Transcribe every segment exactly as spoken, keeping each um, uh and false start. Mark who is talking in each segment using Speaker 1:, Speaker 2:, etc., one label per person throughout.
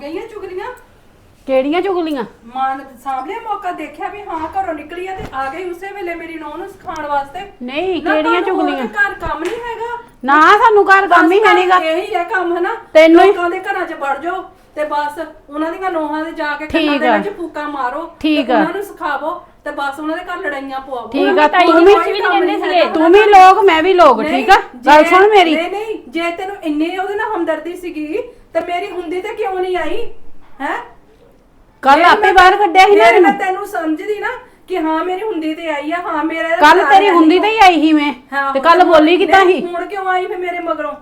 Speaker 1: ਗਈਆਂ ਚੁਗਲੀਆਂ
Speaker 2: ਕਿਹੜੀਆਂ ਚੁਗਲੀਆਂ
Speaker 1: ਮਾਂ ਨੇ ਸਾਹਮਣੇ ਮੌਕਾ ਦੇਖਿਆ ਵੀ ਹਾਂ ਘਰੋਂ ਨਿਕਲੀ ਆ ਤੇ ਆ ਗਈ ਉਸੇ ਵੇਲੇ ਮੇਰੀ ਨੂੰਹ ਨੂੰ ਸਿਖਾਉਣ ਵਾਸਤੇ।
Speaker 2: ਨਹੀਂ ਕਿਹੜੀਆਂ ਚੁਗਲੀਆਂ
Speaker 1: ਘਰ ਕੰਮ ਨਹੀਂ ਹੈਗਾ
Speaker 2: ਨਾ ਸਾਨੂੰ ਘਰ ਕੰਮ ਹੀ ਹੈ ਨਹੀਂਗਾ
Speaker 1: ਇਹੀ ਹੈ ਕੰਮ ਹੈ ਨਾ
Speaker 2: ਤੈਨੂੰ
Speaker 1: ਲੋਕਾਂ ਦੇ ਘਰਾਂ 'ਚ ਵੜ ਜਾਓ ਤੇ ਬਸ ਉਹਨਾਂ ਦੀਆਂ ਨੋਹਾਂ ਦੇ ਜਾ ਕੇ ਕੰਨਾਂ ਦੇ ਵਿੱਚ ਫੂਕਾ ਮਾਰੋ
Speaker 2: ਠੀਕ ਆ
Speaker 1: ਉਹਨਾਂ ਨੂੰ ਸਿਖਾਵੋ ਤੇ ਬਸ ਉਹਨਾਂ ਦੇ ਘਰ ਲੜਾਈਆਂ ਪਵਾਓ।
Speaker 2: ਠੀਕ ਆ ਤੂੰ ਵੀ ਕਹਿੰਦੇ ਸੀਗੇ ਤੂੰ ਵੀ ਲੋਕ ਮੈਂ ਵੀ ਲੋਕ ਠੀਕ ਆ ਗੱਲ ਸੁਣ ਮੇਰੀ।
Speaker 1: ਨਹੀਂ ਨਹੀਂ ਜੇ ਤੈਨੂੰ ਇੰਨੇ ਉਹਦੇ ਨਾਲ ਹਮਦਰਦੀ ਸੀਗੀ ਤੇ ਮੇਰੀ ਹੁੰਦੀ ਤੇ ਕਿਉਂ ਨਹੀਂ ਆਈ ਹੈ
Speaker 2: ਕੱਲ ਆਪੇ ਬਾਹਰ ਕੱਢਿਆ ਸੀ ਨਾ
Speaker 1: ਮੈਂ ਤੈਨੂੰ ਸਮਝਦੀ ਨਾ ਕਿ ਹਾਂ ਮੇਰੀ ਹੁੰਦੀ ਤੇ ਆਈ ਆ ਹਾਂ ਮੇਰਾ
Speaker 2: ਕੱਲ ਤੇਰੀ ਹੁੰਦੀ ਤੇ ਹੀ ਆਈ ਸੀ ਮੈਂ ਤੇ ਕੱਲ ਬੋਲੀ ਕਿੱਦਾਂ ਸੀ
Speaker 1: ਹੁਣ ਕਿਉਂ ਆਈ ਫੇ ਮੇਰੇ ਮਗਰੋਂ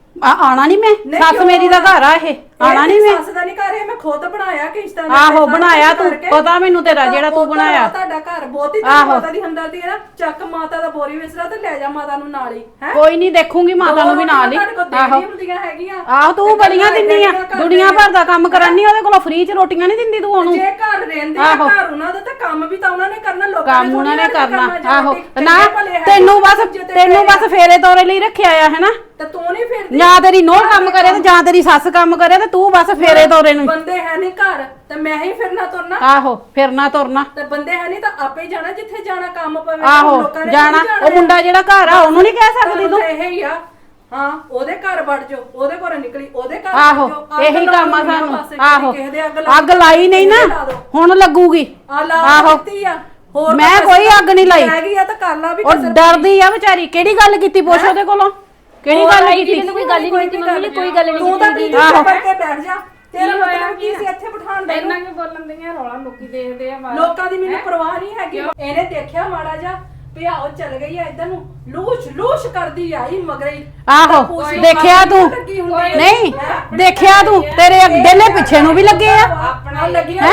Speaker 2: ਆਣਾ ਨਹੀਂ ਮੈਂ ਸੱਸ ਮੇਰੀ ਦਾ ਘਰ ਆ ਇਹ ਆਣਾ ਨਹੀਂ ਮੈਂ
Speaker 1: ਸੱਸ ਦਾ ਨਹੀਂ ਘਰ ਇਹ ਮੈਂ ਖੁਦ ਬਣਾਇਆ ਕਿਸ਼ਤਾਂ ਦੇ
Speaker 2: ਆਹੋ ਬਣਾਇਆ ਤੂੰ ਪਤਾ ਮੈਨੂੰ ਤੇਰਾ ਜਿਹੜਾ ਤੂੰ ਬਣਾਇਆ
Speaker 1: ਤੁਹਾਡਾ ਘਰ ਬਹੁਤੀ ਮਾਤਾ ਦੀ ਹਮਦਰਦੀ ਹੈ ਨਾ ਚੱਕ ਮਾਤਾ ਦਾ ਬੋਰੀ ਵਿਸਰਾ ਤੇ ਲੈ ਜਾ ਮਾਤਾ ਨੂੰ ਨਾਲ ਹੀ ਹੈ
Speaker 2: ਕੋਈ ਨਹੀਂ ਦੇਖੂਗੀ ਮਾਤਾ ਨੂੰ ਵੀ ਨਾਲ ਹੀ
Speaker 1: ਆਹੋ ਹੁੰਦੀਆਂ ਹੈਗੀਆਂ
Speaker 2: ਆਹੋ ਤੂੰ ਬੜੀਆਂ ਦਿੰਨੀ ਆ ਦੁਨੀਆ ਭਰ ਦਾ ਕੰਮ ਕਰਨੀ ਉਹਦੇ ਕੋਲੋਂ ਫ੍ਰੀ ਚ ਰੋਟੀਆਂ ਨਹੀਂ ਦਿੰਦੀ ਤੂੰ ਉਹਨੂੰ
Speaker 1: ਜੇ ਘਰ ਰਹਿੰਦੇ ਆ ਘਰ ਉਹਨਾਂ ਦਾ ਤਾਂ ਕੰਮ ਵੀ ਤਾਂ ਉਹਨਾਂ ਨੇ ਕਰਨਾ ਲੋਕਾਂ
Speaker 2: ਕੰਮ ਉਹਨਾਂ ਨੇ ਕਰਨਾ ਆਹੋ ਨਾ ਤੈਨੂੰ ਬਸ ਤੈਨੂੰ ਬਸ ਫੇਰੇ ਤੋਰੇ ਲਈ ਰੱਖਿਆ ਆ ਹੈਨਾ
Speaker 1: ਤੇ ਤੂੰ ਨਹੀਂ ਫਿਰਦੀ
Speaker 2: ਜਾਂ ਤੇਰੀ ਨੋਹ ਕੰਮ ਕਰੇ ਤੇ ਜਾਂ ਤੇਰੀ ਸੱਸ ਕੰਮ ਕਰੇ ਤੇ ਤੂੰ ਬਸ ਫੇਰੇ ਤੋਰੇ ਨੂੰ
Speaker 1: ਬੰਦੇ ਹੈ ਨਹੀਂ ਘਰ ਤੇ ਮੈਂ ਹੀ ਫਿਰਨਾ ਤੁਰਨਾ
Speaker 2: ਆਹੋ ਫਿਰਨਾ ਤੁਰਨਾ
Speaker 1: ਤੇ ਬੰਦੇ ਹੈ ਨਹੀਂ ਤਾਂ ਆਪੇ ਜਾਣਾ ਜਿੱਥੇ ਜਾਣਾ ਕੰਮ ਪਵੇ
Speaker 2: ਆਹੋ ਜਾਣਾ ਉਹ ਮੁੰਡਾ ਜਿਹੜਾ ਘਰ ਆ ਉਹਨੂੰ ਨਹੀਂ ਕਹਿ ਸਕਦੀ ਤੂੰ
Speaker 1: ਇਹ ਹੀ ਆ ਹਾਂ ਉਹਦੇ ਘਰ ਵੜ ਜਾਓ ਉਹਦੇ ਘਰੋਂ ਨਿਕਲੀ ਉਹਦੇ ਘਰ
Speaker 2: ਆਹੋ ਇਹੀ ਕੰਮ ਆ ਸਾਨੂੰ ਆਹੋ ਅੱਗ ਲਾਈ ਨਹੀਂ ਨਾ ਹੁਣ ਲੱਗੂਗੀ
Speaker 1: ਆਹੋ ਹੋਰ
Speaker 2: ਮੈਂ ਕੋਈ ਅੱਗ ਨਹੀਂ ਲਾਈ
Speaker 1: ਹੈਗੀ ਆ ਤਾਂ ਕਰ ਲਾ ਵੀ
Speaker 2: ਉਹ ਡਰਦੀ ਆ ਵਿਚਾਰੀ ਕਿਹੜੀ ਗੱਲ ਕੀਤੀ ਪੁੱਛ ਉਹਦੇ ਕੋਲੋਂ ਕਿਹੜੀ ਗੱਲ ਕੀਤੀ
Speaker 3: ਤੈਨੂੰ ਕੋਈ ਗੱਲ ਹੀ ਨਹੀਂ ਕੀਤੀ ਮੰਮੀ ਕੋਈ ਗੱਲ ਨਹੀਂ
Speaker 1: ਤੂੰ ਤਾਂ ਦੀਦੀ ਚੁੱਪ ਕਰਕੇ ਬੈਠ ਜਾ ਤੇਰਾ ਮਤਲਬ ਕੀ ਸੀ ਇੱਥੇ ਬਿਠਾਉਣ ਦਾ
Speaker 3: ਇੰਨਾ ਕਿ ਬੋਲਣ ਦੀਆਂ ਰੌਲਾ ਲੋਕੀ ਦੇਖਦੇ ਆ
Speaker 1: ਲੋਕਾਂ ਦੀ ਮੈਨੂੰ ਪਰਵਾਹ ਨਹੀਂ ਹੈਗੀ ਇਹਨੇ ਦੇਖਿਆ ਮਾੜਾ ਜਾ ਵੀ ਆਓ ਚੱਲ ਗਈ ਆ ਇਧਰ ਨੂੰ ਲੂਸ਼ ਲੂਸ਼ ਕਰਦੀ ਆਈ ਮਗਰੇ
Speaker 2: ਆਹੋ ਦੇਖਿਆ ਤੂੰ ਨਹੀਂ ਦੇਖਿਆ ਤੂੰ ਤੇਰੇ ਅੱਗੇ ਪਿੱਛੇ ਨੂੰ ਵੀ ਲੱਗੇ ਆ
Speaker 1: ਆਪਣਾ ਲੱਗੀਆਂ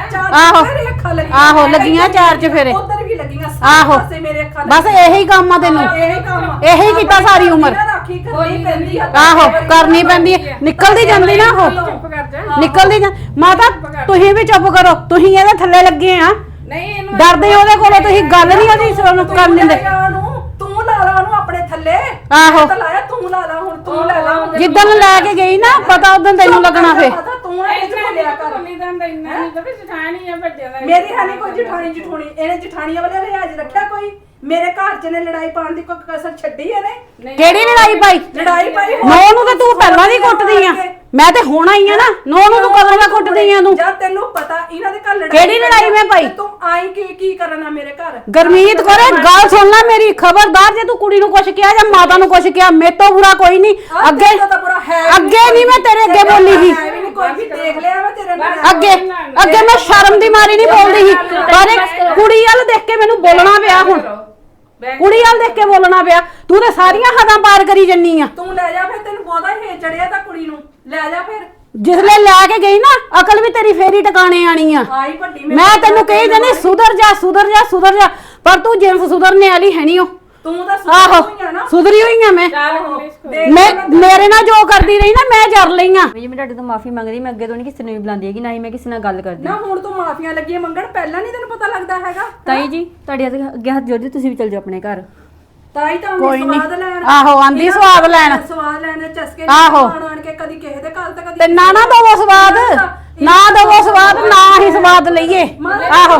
Speaker 2: ਆਹੋ ਆਹੋ ਲੱਗੀਆਂ ਚਾਰ ਚ ਫੇਰੇ
Speaker 1: ਉਧਰ ਵੀ ਲੱਗੀਆਂ
Speaker 2: ਆਹੋ
Speaker 1: ਸਾਰੇ ਮੇਰੇ ਅੱਖਾਂ
Speaker 2: ਬਸ ਇਹੀ ਕੰਮ ਆ ਤੈਨੂੰ
Speaker 1: ਇਹੀ ਕੰਮ
Speaker 2: ਇਹੀ ਕੀਤਾ ਸਾਰੀ ਉਮਰ
Speaker 1: ਰਾਖੀ ਕਰਨੀ ਪੈਂਦੀ ਆ
Speaker 2: ਆਹੋ ਕਰਨੀ ਪੈਂਦੀ ਨਿਕਲਦੀ ਜਾਂਦੀ ਨਾ ਉਹ ਨਿਕਲਦੀ ਜਾਂ ਮਾਤਾ ਤੁਸੀਂ ਵੀ ਚੁੱਪ ਕਰੋ ਤੁਸੀਂ ਇਹਦੇ ਥੱਲੇ ਲੱਗੇ ਆ
Speaker 1: ਨਹੀਂ ਇਹਨੂੰ
Speaker 2: ਡਰਦੇ ਉਹਦੇ ਕੋਲੋਂ ਤੁਸੀਂ ਗੱਲ ਨਹੀਂ ਉਹਦੀ ਸੁਣ ਕਰਨ ਦਿੰਦੇ
Speaker 1: ਤੂੰ ਲਾ ਲਾ ਉਹਨੂੰ ਆਪਣੇ ਥੱਲੇ
Speaker 2: ਆਹੋ
Speaker 1: ਤਾਂ ਲਾਇਆ ਤੂੰ ਲਾ ਲਾ ਹੁਣ ਤੂੰ ਲੈ ਲਾ
Speaker 2: ਜਿੱਦਣ ਲੈ ਕੇ ਗਈ ਨਾ ਪਤਾ ਉਦੋਂ ਤੈਨੂੰ ਲੱਗਣਾ ਫੇ
Speaker 1: ਤੂੰ ਇਹ ਬੋਲਿਆ ਕਰ
Speaker 3: ਨਹੀਂ ਦੰਦਾ ਇੰਨਾ ਨਹੀਂ ਤਾਂ ਵੀ ਜਠਾਣੀ ਆ ਵੱਡਿਆਂ ਦਾ
Speaker 1: ਮੇਰੀ ਹੈ ਨਹੀਂ ਕੋਈ ਜਠਾਣੀ ਜਠੂਣੀ ਇਹਨੇ ਜਠਾਣੀਆਂ ਵਾਲੇ ਲਿਹਾਜ਼ ਰੱਖਿਆ ਕੋਈ ਮੇਰੇ ਘਰ ਚ ਨੇ ਲੜਾਈ ਪਾਉਣ ਦੀ ਕੋਈ ਕਸਰ ਛੱਡੀ ਇਹਨੇ
Speaker 2: ਕਿਹੜੀ ਲੜਾਈ ਪਾਈ
Speaker 1: ਲੜਾਈ ਪਾਈ
Speaker 2: ਨੋ ਨੂੰ ਤੇ ਤੂੰ ਪਹਿਲਾਂ ਦੀ ਕੁੱਟਦੀ ਆ ਮੈਂ ਤੇ ਹੁਣ ਆਈ ਆ ਨਾ ਨੋ ਨੂੰ ਤੂੰ ਕਦੋਂ ਦਾ ਕੁੱਟਦੀ ਆ ਤੂੰ
Speaker 1: ਜਦ ਤੈਨੂੰ ਪਤਾ ਇਹਨਾਂ ਦੇ ਘਰ ਲੜਾਈ
Speaker 2: ਕਿਹੜੀ ਲੜਾਈ ਮੈਂ ਪਾਈ
Speaker 1: ਤੂੰ ਆਈ ਕੀ ਕੀ ਕਰਨਾ ਮੇਰੇ ਘਰ
Speaker 2: ਗਰਮੀਤ ਕੋਰੇ ਗੱਲ ਸੁਣ ਲੈ ਮੇਰੀ ਖਬਰਦਾਰ ਜੇ ਤੂੰ ਕੁੜੀ ਨੂੰ ਕੁਛ ਕਿਹਾ ਜਾਂ ਮਾਤਾ ਨੂੰ ਕੁਛ ਕਿਹਾ ਮੇਰੇ ਤੋਂ ਬੁਰਾ ਕੋਈ ਨਹੀਂ ਅੱਗੇ ਅੱਗੇ ਨਹੀਂ ਮੈਂ ਤੇਰੇ ਅੱਗੇ ਬੋਲੀ ਸੀ
Speaker 1: ਕੋਈ ਵੀ ਦੇਖ ਲਿਆ ਮੈਂ ਤੇਰੇ ਨਾਲ
Speaker 2: ਅੱਗੇ ਅੱਗੇ ਮੈਂ ਸ਼ਰਮ ਦੀ ਮਾਰੀ ਨਹੀਂ ਬੋਲਦੀ ਸੀ ਪਰ ਕੁੜੀ ਵੱਲ ਦੇਖ ਕੇ ਮੈਨੂੰ ਬੋਲਣਾ ਪਿਆ ਹੁਣ ਕੁੜੀ ਵੱਲ ਦੇਖ ਕੇ ਬੋਲਣਾ ਪਿਆ ਤੂੰ ਤੇ ਸਾਰੀਆਂ ਹੱਦਾਂ ਪਾਰ ਕਰੀ ਜੰਨੀ ਆ
Speaker 1: ਤੂੰ ਲੈ ਜਾ ਫਿਰ ਤੈਨੂੰ ਬਹੁਤਾ ਹੀ ਚੜਿਆ ਤਾਂ ਕੁੜੀ ਨੂੰ ਲੈ ਜਾ ਫਿਰ
Speaker 2: ਜਿਸਲੇ ਲੈ ਕੇ ਗਈ ਨਾ ਅਕਲ ਵੀ ਤੇਰੀ ਫੇਰੀ ਟਿਕਾਣੇ ਆਣੀ ਆ
Speaker 1: ਆਈ ਵੱਡੀ
Speaker 2: ਮੈਂ ਤੈਨੂੰ ਕਹੀ ਜਾਨੀ ਸੁਧਰ ਜਾ ਸੁਧਰ ਜਾ ਸੁਧਰ ਜਾ ਪਰ ਤੂੰ ਜਿੰਸ ਸੁਧਰਨੇ ਵਾਲੀ ਹੈ ਨਹੀਂ ਉਹ
Speaker 1: ਤੂੰ ਤਾਂ
Speaker 2: ਆਹੋ
Speaker 1: ਸੁਧਰੀ ਹੋਈ ਆ ਨਾ
Speaker 2: ਸੁਧਰੀ ਹੋਈ ਆ ਮੈਂ ਮੈਂ ਮੇਰੇ ਨਾਲ ਜੋ ਕਰਦੀ ਰਹੀ ਨਾ ਮੈਂ ਜਰ ਲਈ ਆ
Speaker 3: ਜੀ ਮੈਂ ਤੁਹਾਡੇ ਤੋਂ ਮਾਫੀ ਮੰਗਦੀ ਮੈਂ ਅੱਗੇ ਤੋਂ ਨਹੀਂ ਕਿਸੇ ਨੂੰ ਵੀ ਬੁਲਾਉਂਦੀ ਹੈਗੀ ਨਾ ਹੀ ਮੈਂ ਕਿਸੇ ਨਾਲ ਗੱਲ ਕਰਦੀ
Speaker 1: ਨਾ ਹੁਣ ਤੂੰ ਮਾਫੀਆਂ ਲੱਗੀਆਂ ਮੰਗਣ ਪਹਿਲਾਂ ਨਹੀਂ ਤੈਨੂੰ ਪਤਾ ਲੱਗਦਾ ਹੈਗਾ
Speaker 3: ਤਾਈ ਜੀ ਤੁਹਾਡੇ ਅੱਗੇ ਹੱਥ ਜੋੜਦੀ ਤੁਸੀਂ ਵੀ ਚੱਲ ਜਾਓ ਆਪਣੇ ਘਰ
Speaker 1: ਤਾਈ ਤਾਂ
Speaker 2: ਕੋਈ
Speaker 1: ਆਉਂਦੀ ਸਵਾਦ ਲੈਣ
Speaker 2: ਆਹੋ ਆਂਦੀ ਸਵਾਦ ਲੈਣ
Speaker 1: ਸਵਾਦ ਲੈਣ ਚਸਕੇ
Speaker 2: ਆਹੋ
Speaker 1: ਆਣ ਕੇ ਕਦੀ ਕਿਸੇ ਦੇ ਘਰ ਤੇ ਕਦੀ
Speaker 2: ਤੇ ਨਾ ਨਾ ਦਵੋ ਸਵਾਦ ਨਾ ਦਵੋ ਸਵਾਦ ਨਾ ਹੀ ਸਵਾਦ ਲਈਏ ਆਹੋ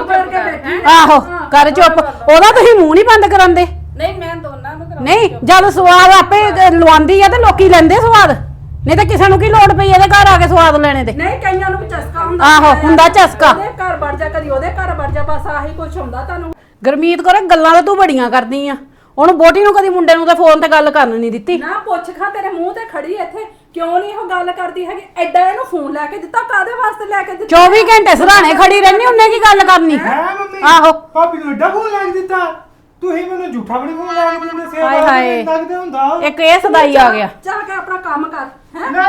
Speaker 2: ਆਹੋ ਕਰ ਚੁੱਪ ਉਹਦਾ ਤੁਸੀਂ ਮੂੰਹ ਨਹੀਂ ਬੰਦ ਕਰਨ ਦੇ
Speaker 3: ਨਹੀਂ ਮੈਂ ਦੋਨਾਂ ਨੂੰ
Speaker 2: ਨਹੀਂ ਜਦ ਸਵਾਦ ਆਪੇ ਲਵਾਉਂਦੀ ਆ ਤੇ ਲੋਕੀ ਲੈਂਦੇ ਸਵਾਦ ਨਹੀਂ ਤਾਂ ਕਿਸੇ ਨੂੰ ਕੀ ਲੋੜ ਪਈ ਇਹਦੇ ਘਰ ਆ ਕੇ ਸਵਾਦ ਲੈਣੇ ਤੇ
Speaker 1: ਨਹੀਂ ਕਈਆਂ ਨੂੰ ਵੀ ਚਸਕਾ ਹੁੰਦਾ
Speaker 2: ਆਹੋ ਹੁੰਦਾ ਚਸਕਾ
Speaker 1: ਉਹਦੇ ਘਰ ਵੜ ਜਾ ਕਦੀ ਉਹਦੇ ਘਰ ਵੜ ਜਾ ਬਸ ਆਹੀ ਕੁਝ ਹੁੰਦਾ ਤੁਹਾਨੂੰ
Speaker 2: ਗਰਮੀਤ ਕੋਰੇ ਗੱਲਾਂ ਤਾਂ ਤੂੰ ਬੜੀਆਂ ਕਰਦੀ ਆ ਉਹਨੂੰ ਬੋਟੀ ਨੂੰ ਕਦੀ ਮੁੰਡੇ ਨੂੰ ਤੇ ਫੋਨ ਤੇ ਗੱਲ ਕਰਨ ਨਹੀਂ ਦਿੱਤੀ
Speaker 1: ਨਾ ਪੁੱਛ ਖਾ ਤੇਰੇ ਮੂੰਹ ਤੇ ਖੜੀ ਇੱਥੇ ਕਿਉਂ ਨਹੀਂ ਉਹ ਗੱਲ ਕਰਦੀ ਹੈਗੀ ਐਡਾ ਇਹਨੂੰ ਫੋਨ ਲੈ ਕੇ ਦਿੱਤਾ ਕਾਦੇ ਵਾਸਤੇ ਲੈ ਕੇ ਦਿੱਤਾ
Speaker 2: ਚੌਵੀ ਘੰਟੇ ਸਰਾਣੇ ਖੜੀ ਰਹਿਣੀ ਉਹਨੇ ਕੀ ਗੱਲ ਕਰਨੀ ਆਹੋ
Speaker 4: ਭਾਬੀ ਨੂੰ ਐਡਾ ਫੋਨ ਲੈ ਕੇ ਦਿੱਤਾ ਤੁਸੀਂ ਮੈਨੂੰ ਝੂਠਾ ਬਣੀ ਫੋਨ ਲੈ ਕੇ ਦਿੰਦੇ ਸੇਵਾ
Speaker 2: ਹਾਏ ਹਾਏ
Speaker 4: ਲੱਗਦੇ ਹੁੰਦਾ
Speaker 2: ਇੱਕ ਇਹ ਸਦਾਈ ਆ ਗਿਆ
Speaker 1: ਜਾ ਕੇ ਆਪਣਾ ਕੰਮ ਕਰ ਹੈ
Speaker 4: ਨਾ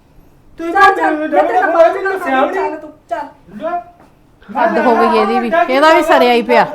Speaker 4: ਤੁਸੀਂ
Speaker 1: ਚੱਲ ਚੱਲ ਮੈਂ ਤੇਰੇ ਨਾਲ ਬਾਅਦ
Speaker 4: ਮੈਨੂੰ
Speaker 1: ਵਿੱਚ
Speaker 4: ਸਿਆਵ
Speaker 1: ਗੱਲ ਚੱਲ ਤੂੰ ਚੱਲ
Speaker 2: ਹੱਦ ਹੋ ਗਈ ਇਹਦੀ ਵੀ ਇਹਦਾ ਵੀ ਸਰਿਆ ਹੀ ਪਿਆ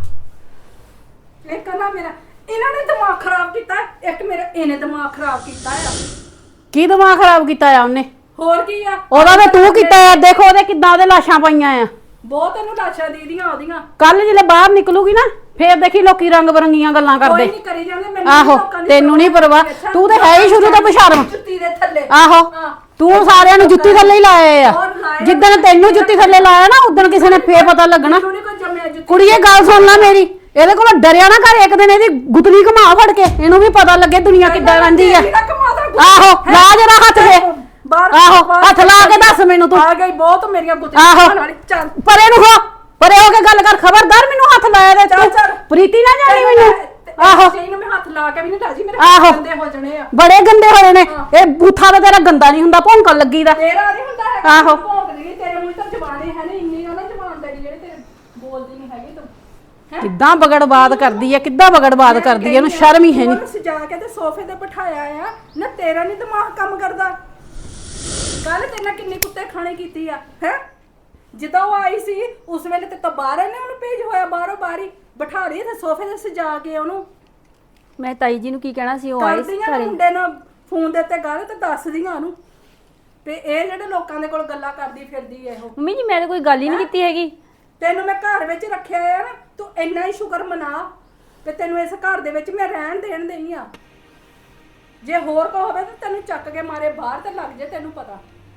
Speaker 1: ਇੱਕ ਨਾ ਮੇਰਾ ਇਹਨਾਂ ਨੇ ਦਿਮਾਗ ਖਰਾਬ ਕੀਤਾ ਇੱਕ ਮੇਰਾ ਇਹਨੇ ਦਿਮਾਗ ਖਰਾਬ ਕੀਤਾ ਆ
Speaker 2: ਕੀ ਦਿਮਾਗ ਖਰਾਬ ਕੀਤਾ ਆ ਉਹਨੇ
Speaker 1: ਹੋਰ ਕੀ ਆ
Speaker 2: ਉਹਦਾ ਤੇ ਤੂੰ ਕੀਤਾ ਆ ਦੇਖੋ ਉਹਦੇ ਕਿੱਦਾਂ ਉਹਦੇ ਲਾਸ਼ਾਂ ਪਈਆਂ ਆ
Speaker 1: ਬਹੁਤ ਇਹਨੂੰ ਲਾਸ਼ਾਂ ਦੀਦੀਆਂ ਉਹਦੀਆਂ
Speaker 2: ਕੱਲ ਜਿਹੜੇ ਬਾਹਰ ਨਿਕਲੂਗੀ ਨਾ ਫੇਰ ਦੇਖੀ ਲੋਕੀ ਰੰਗ ਬਰੰਗੀਆਂ ਗੱਲਾਂ
Speaker 1: ਕੋਈ
Speaker 2: ਕਰਦੇ
Speaker 1: ਨਹੀਂ ਕਰੀ ਜਾਂਦੇ ਮੈਨੂੰ
Speaker 2: ਆਹੋ ਤੈਨੂੰ ਨਹੀਂ ਪਰਵਾਹ ਤੂੰ ਤੇ ਹੈ ਹੀ ਸ਼ੁਰੂ ਤੋਂ ਬਸ਼ਰਮ
Speaker 1: ਜੁੱਤੀ ਦੇ ਥੱਲੇ
Speaker 2: ਆਹੋ ਤੂੰ ਸਾਰਿਆਂ ਨੂੰ ਜੁੱਤੀ ਥੱਲੇ ਹੀ ਲਾਏ ਆ
Speaker 1: ਹੋਰ ਲਾਏ ਆ।
Speaker 2: ਜਿੱਦਣ ਤੈਨੂੰ ਜੁੱਤੀ ਥੱਲੇ ਲਾਇਆ ਨਾ ਉਦੋਂ ਕਿਸੇ ਨੇ ਫੇਰ ਪਤਾ ਲੱਗਣਾ।
Speaker 1: ਮੈਨੂੰ ਨੀ ਕੋਈ ਜੰਮਿਆ ਜੁੱਤੀ।
Speaker 2: ਕੁੜੀਏ ਗੱਲ ਸੁਣ ਲੈ ਮੇਰੀ, ਇਹਦੇ ਕੋਲ ਡਰਿਆ ਨਾ ਕਰ, ਇੱਕ ਦਿਨ ਇਹਦੀ ਗੁੱਤਨੀ ਘੁਮਾ ਫੜ ਕੇ, ਇਹਨੂੰ ਵੀ ਪਤਾ ਲੱਗੇ ਦੁਨੀਆ ਕਿੱਦਾਂ ਰਹਿੰਦੀ ਆ।
Speaker 1: ਇਹਦਾ ਕਮਾਦਾ ਗੁੱਤ-
Speaker 2: ਆਹੋ ਲਾ ਜਰਾ ਹੱਥ ਦੇ,
Speaker 1: ਬਾਹਰ-
Speaker 2: ਆਹੋ
Speaker 1: ਬਾਹਰ
Speaker 2: ਹੱਥ ਲਾ ਕੇ ਦੱਸ ਮੈਨੂੰ ਤੂੰ।
Speaker 1: ਆ ਗਈ ਬਹੁਤ ਮੇਰੀਆਂ ਗੁੱਤੀਆਂ
Speaker 2: ਆਹੋ
Speaker 1: ਖਾਣ ਵਾਲੀ। ਚੱਲ
Speaker 2: ਪਰੇ ਨੂੰ ਹੋ, ਪਰੇ ਹੋ ਕੇ ਗੱਲ ਕਰ, ਖਬਰਦਾਰ ਮੈਨੂੰ ਹੱਥ ਲਾਇਆ ਦੇ
Speaker 1: ਚੱਲ,
Speaker 2: ਤੂੰ
Speaker 1: ਚੱਲ।
Speaker 2: ਪ੍ਰੀਤੀ ਨਾ ਜਾਣੀ ਮੈਨੂੰ। ਆਹੋ
Speaker 1: ਨੂੰ ਮੈਂ ਹੱਥ ਲਾ ਕੇ ਵੀ ਨਹੀਂ ਰਾਜੀ, ਮੇਰੇ
Speaker 2: ਆਹੋ।
Speaker 1: ਗੰਦੇ ਹੋ ਜਾਣੇ ਆ।
Speaker 2: ਬੜੇ ਗੰਦੇ ਹੋਏ ਨੇ, ਇਹ ਬੂਥਾ ਤਾਂ ਤੇਰਾ ਗੰਦਾ ਨਹੀਂ ਹੁੰਦਾ, ਭੌਂਕਣ ਲੱਗੀ ਦਾ।
Speaker 1: ਤੇਰਾ ਨਹੀਂ ਹੁੰਦਾ ਹੈਗਾ।
Speaker 2: ਆਹੋ।
Speaker 1: ਭੌਂਕਦੀ ਨੀ, ਤੇਰੇ ਮੂੰਹ ਤਾਂ ਜ਼ਬਾਨ ਹੀ ਹੈ ਨਹੀਂ, ਇੰਨੀ ਉਹਨਾਂ ਜ਼ਬਾਨ ਤੇਰੀ ਜਿਹੜੇ ਤੇਰੇ ਬੋਲਦੀ ਨਹੀਂ ਹੈਗੀ ਤੂੰ। ਹੈਂ?
Speaker 2: ਕਿੱਦਾਂ ਬਗੜਬਾਦ ਕਰਦੀ ਆ, ਕਿੱਦਾਂ ਬਗੜਬਾਦ ਕਰਦੀ ਆ, ਇਹਨੂੰ ਸ਼ਰਮ ਹੀ ਹੈ ਨਹੀਂ।
Speaker 1: ਉਹਨੂੰ ਸਜਾ ਕੇ ਤੇ ਸੋਫੇ ਤੇ ਬਿਠਾਇਆ ਆ ਨਾ, ਤੇਰਾ ਨਹੀਂ ਦਿਮਾਗ ਕੰਮ ਕਰਦਾ। ਕੱਲ ਤੇਰੇ ਨਾਲ ਕਿੰਨੀ ਕੁੱਤੇ ਖਾਣੇ ਕੀਤੀ ਆ ਹੈ। ਜਦੋਂ ਉਹ ਆਈ ਸੀ ਉਸ ਵੇਲੇ ਤੇ ਤਾਂ ਬਾਹਰ ਇਹਨੇ ਉਹਨੂੰ ਭੇਜ ਹੋਇਆ, ਬਾਹਰੋਂ ਬਾਰੀ ਬਿਠਾ ਰਹੀ ਤੇ ਸੋਫੇ ਤੇ ਸਜਾ ਕੇ ਉਹਨੂੰ
Speaker 3: ਮੈਂ ਤਾਈ ਜੀ ਨੂੰ ਕੀ ਕਹਿਣਾ ਸੀ, ਉਹ ਆਏ ਸੀ
Speaker 1: ਕਰਦੀਆਂ
Speaker 3: ਘਰੇ।
Speaker 1: ਮੁੰਡੇ ਨਾਲ ਫੋਨ ਦੇ ਉੱਤੇ ਗੱਲ ਤੇ ਦੱਸਦੀਆਂ ਉਹਨੂੰ ਤੇ ਇਹ ਜਿਹੜੇ ਲੋਕਾਂ ਦੇ ਕੋਲ ਗੱਲਾਂ ਕਰਦੀ ਫਿਰਦੀ ਐ ਉਹ।
Speaker 3: ਮੰਮੀ ਜੀ ਮੈਂ ਤਾਂ ਕੋਈ ਗੱਲ ਹੀ ਨਹੀਂ ਕੀਤੀ ਹੈਗੀ।
Speaker 1: ਤੈਨੂੰ ਮੈਂ ਘਰ ਵਿੱਚ ਰੱਖਿਆ ਆ ਨਾ, ਤੂੰ ਇੰਨਾ ਹੀ ਸ਼ੁਕਰ ਮਨਾ ਤੇ ਤੈਨੂੰ ਇਸ ਘਰ ਦੇ ਵਿੱਚ ਮੈਂ ਰਹਿਣ ਦੇਣ ਦੇਈ ਆ। ਜੇ ਹੋਰ ਕੋ ਹੋਵੇ ਤਾਂ ਤੈਨੂੰ ਚੱਕ ਕੇ ਮਾਰੇ ਬਾਹਰ ਤੇ ਲੱਗ ਜੇ, ਤੈਨੂੰ ਪਤਾ।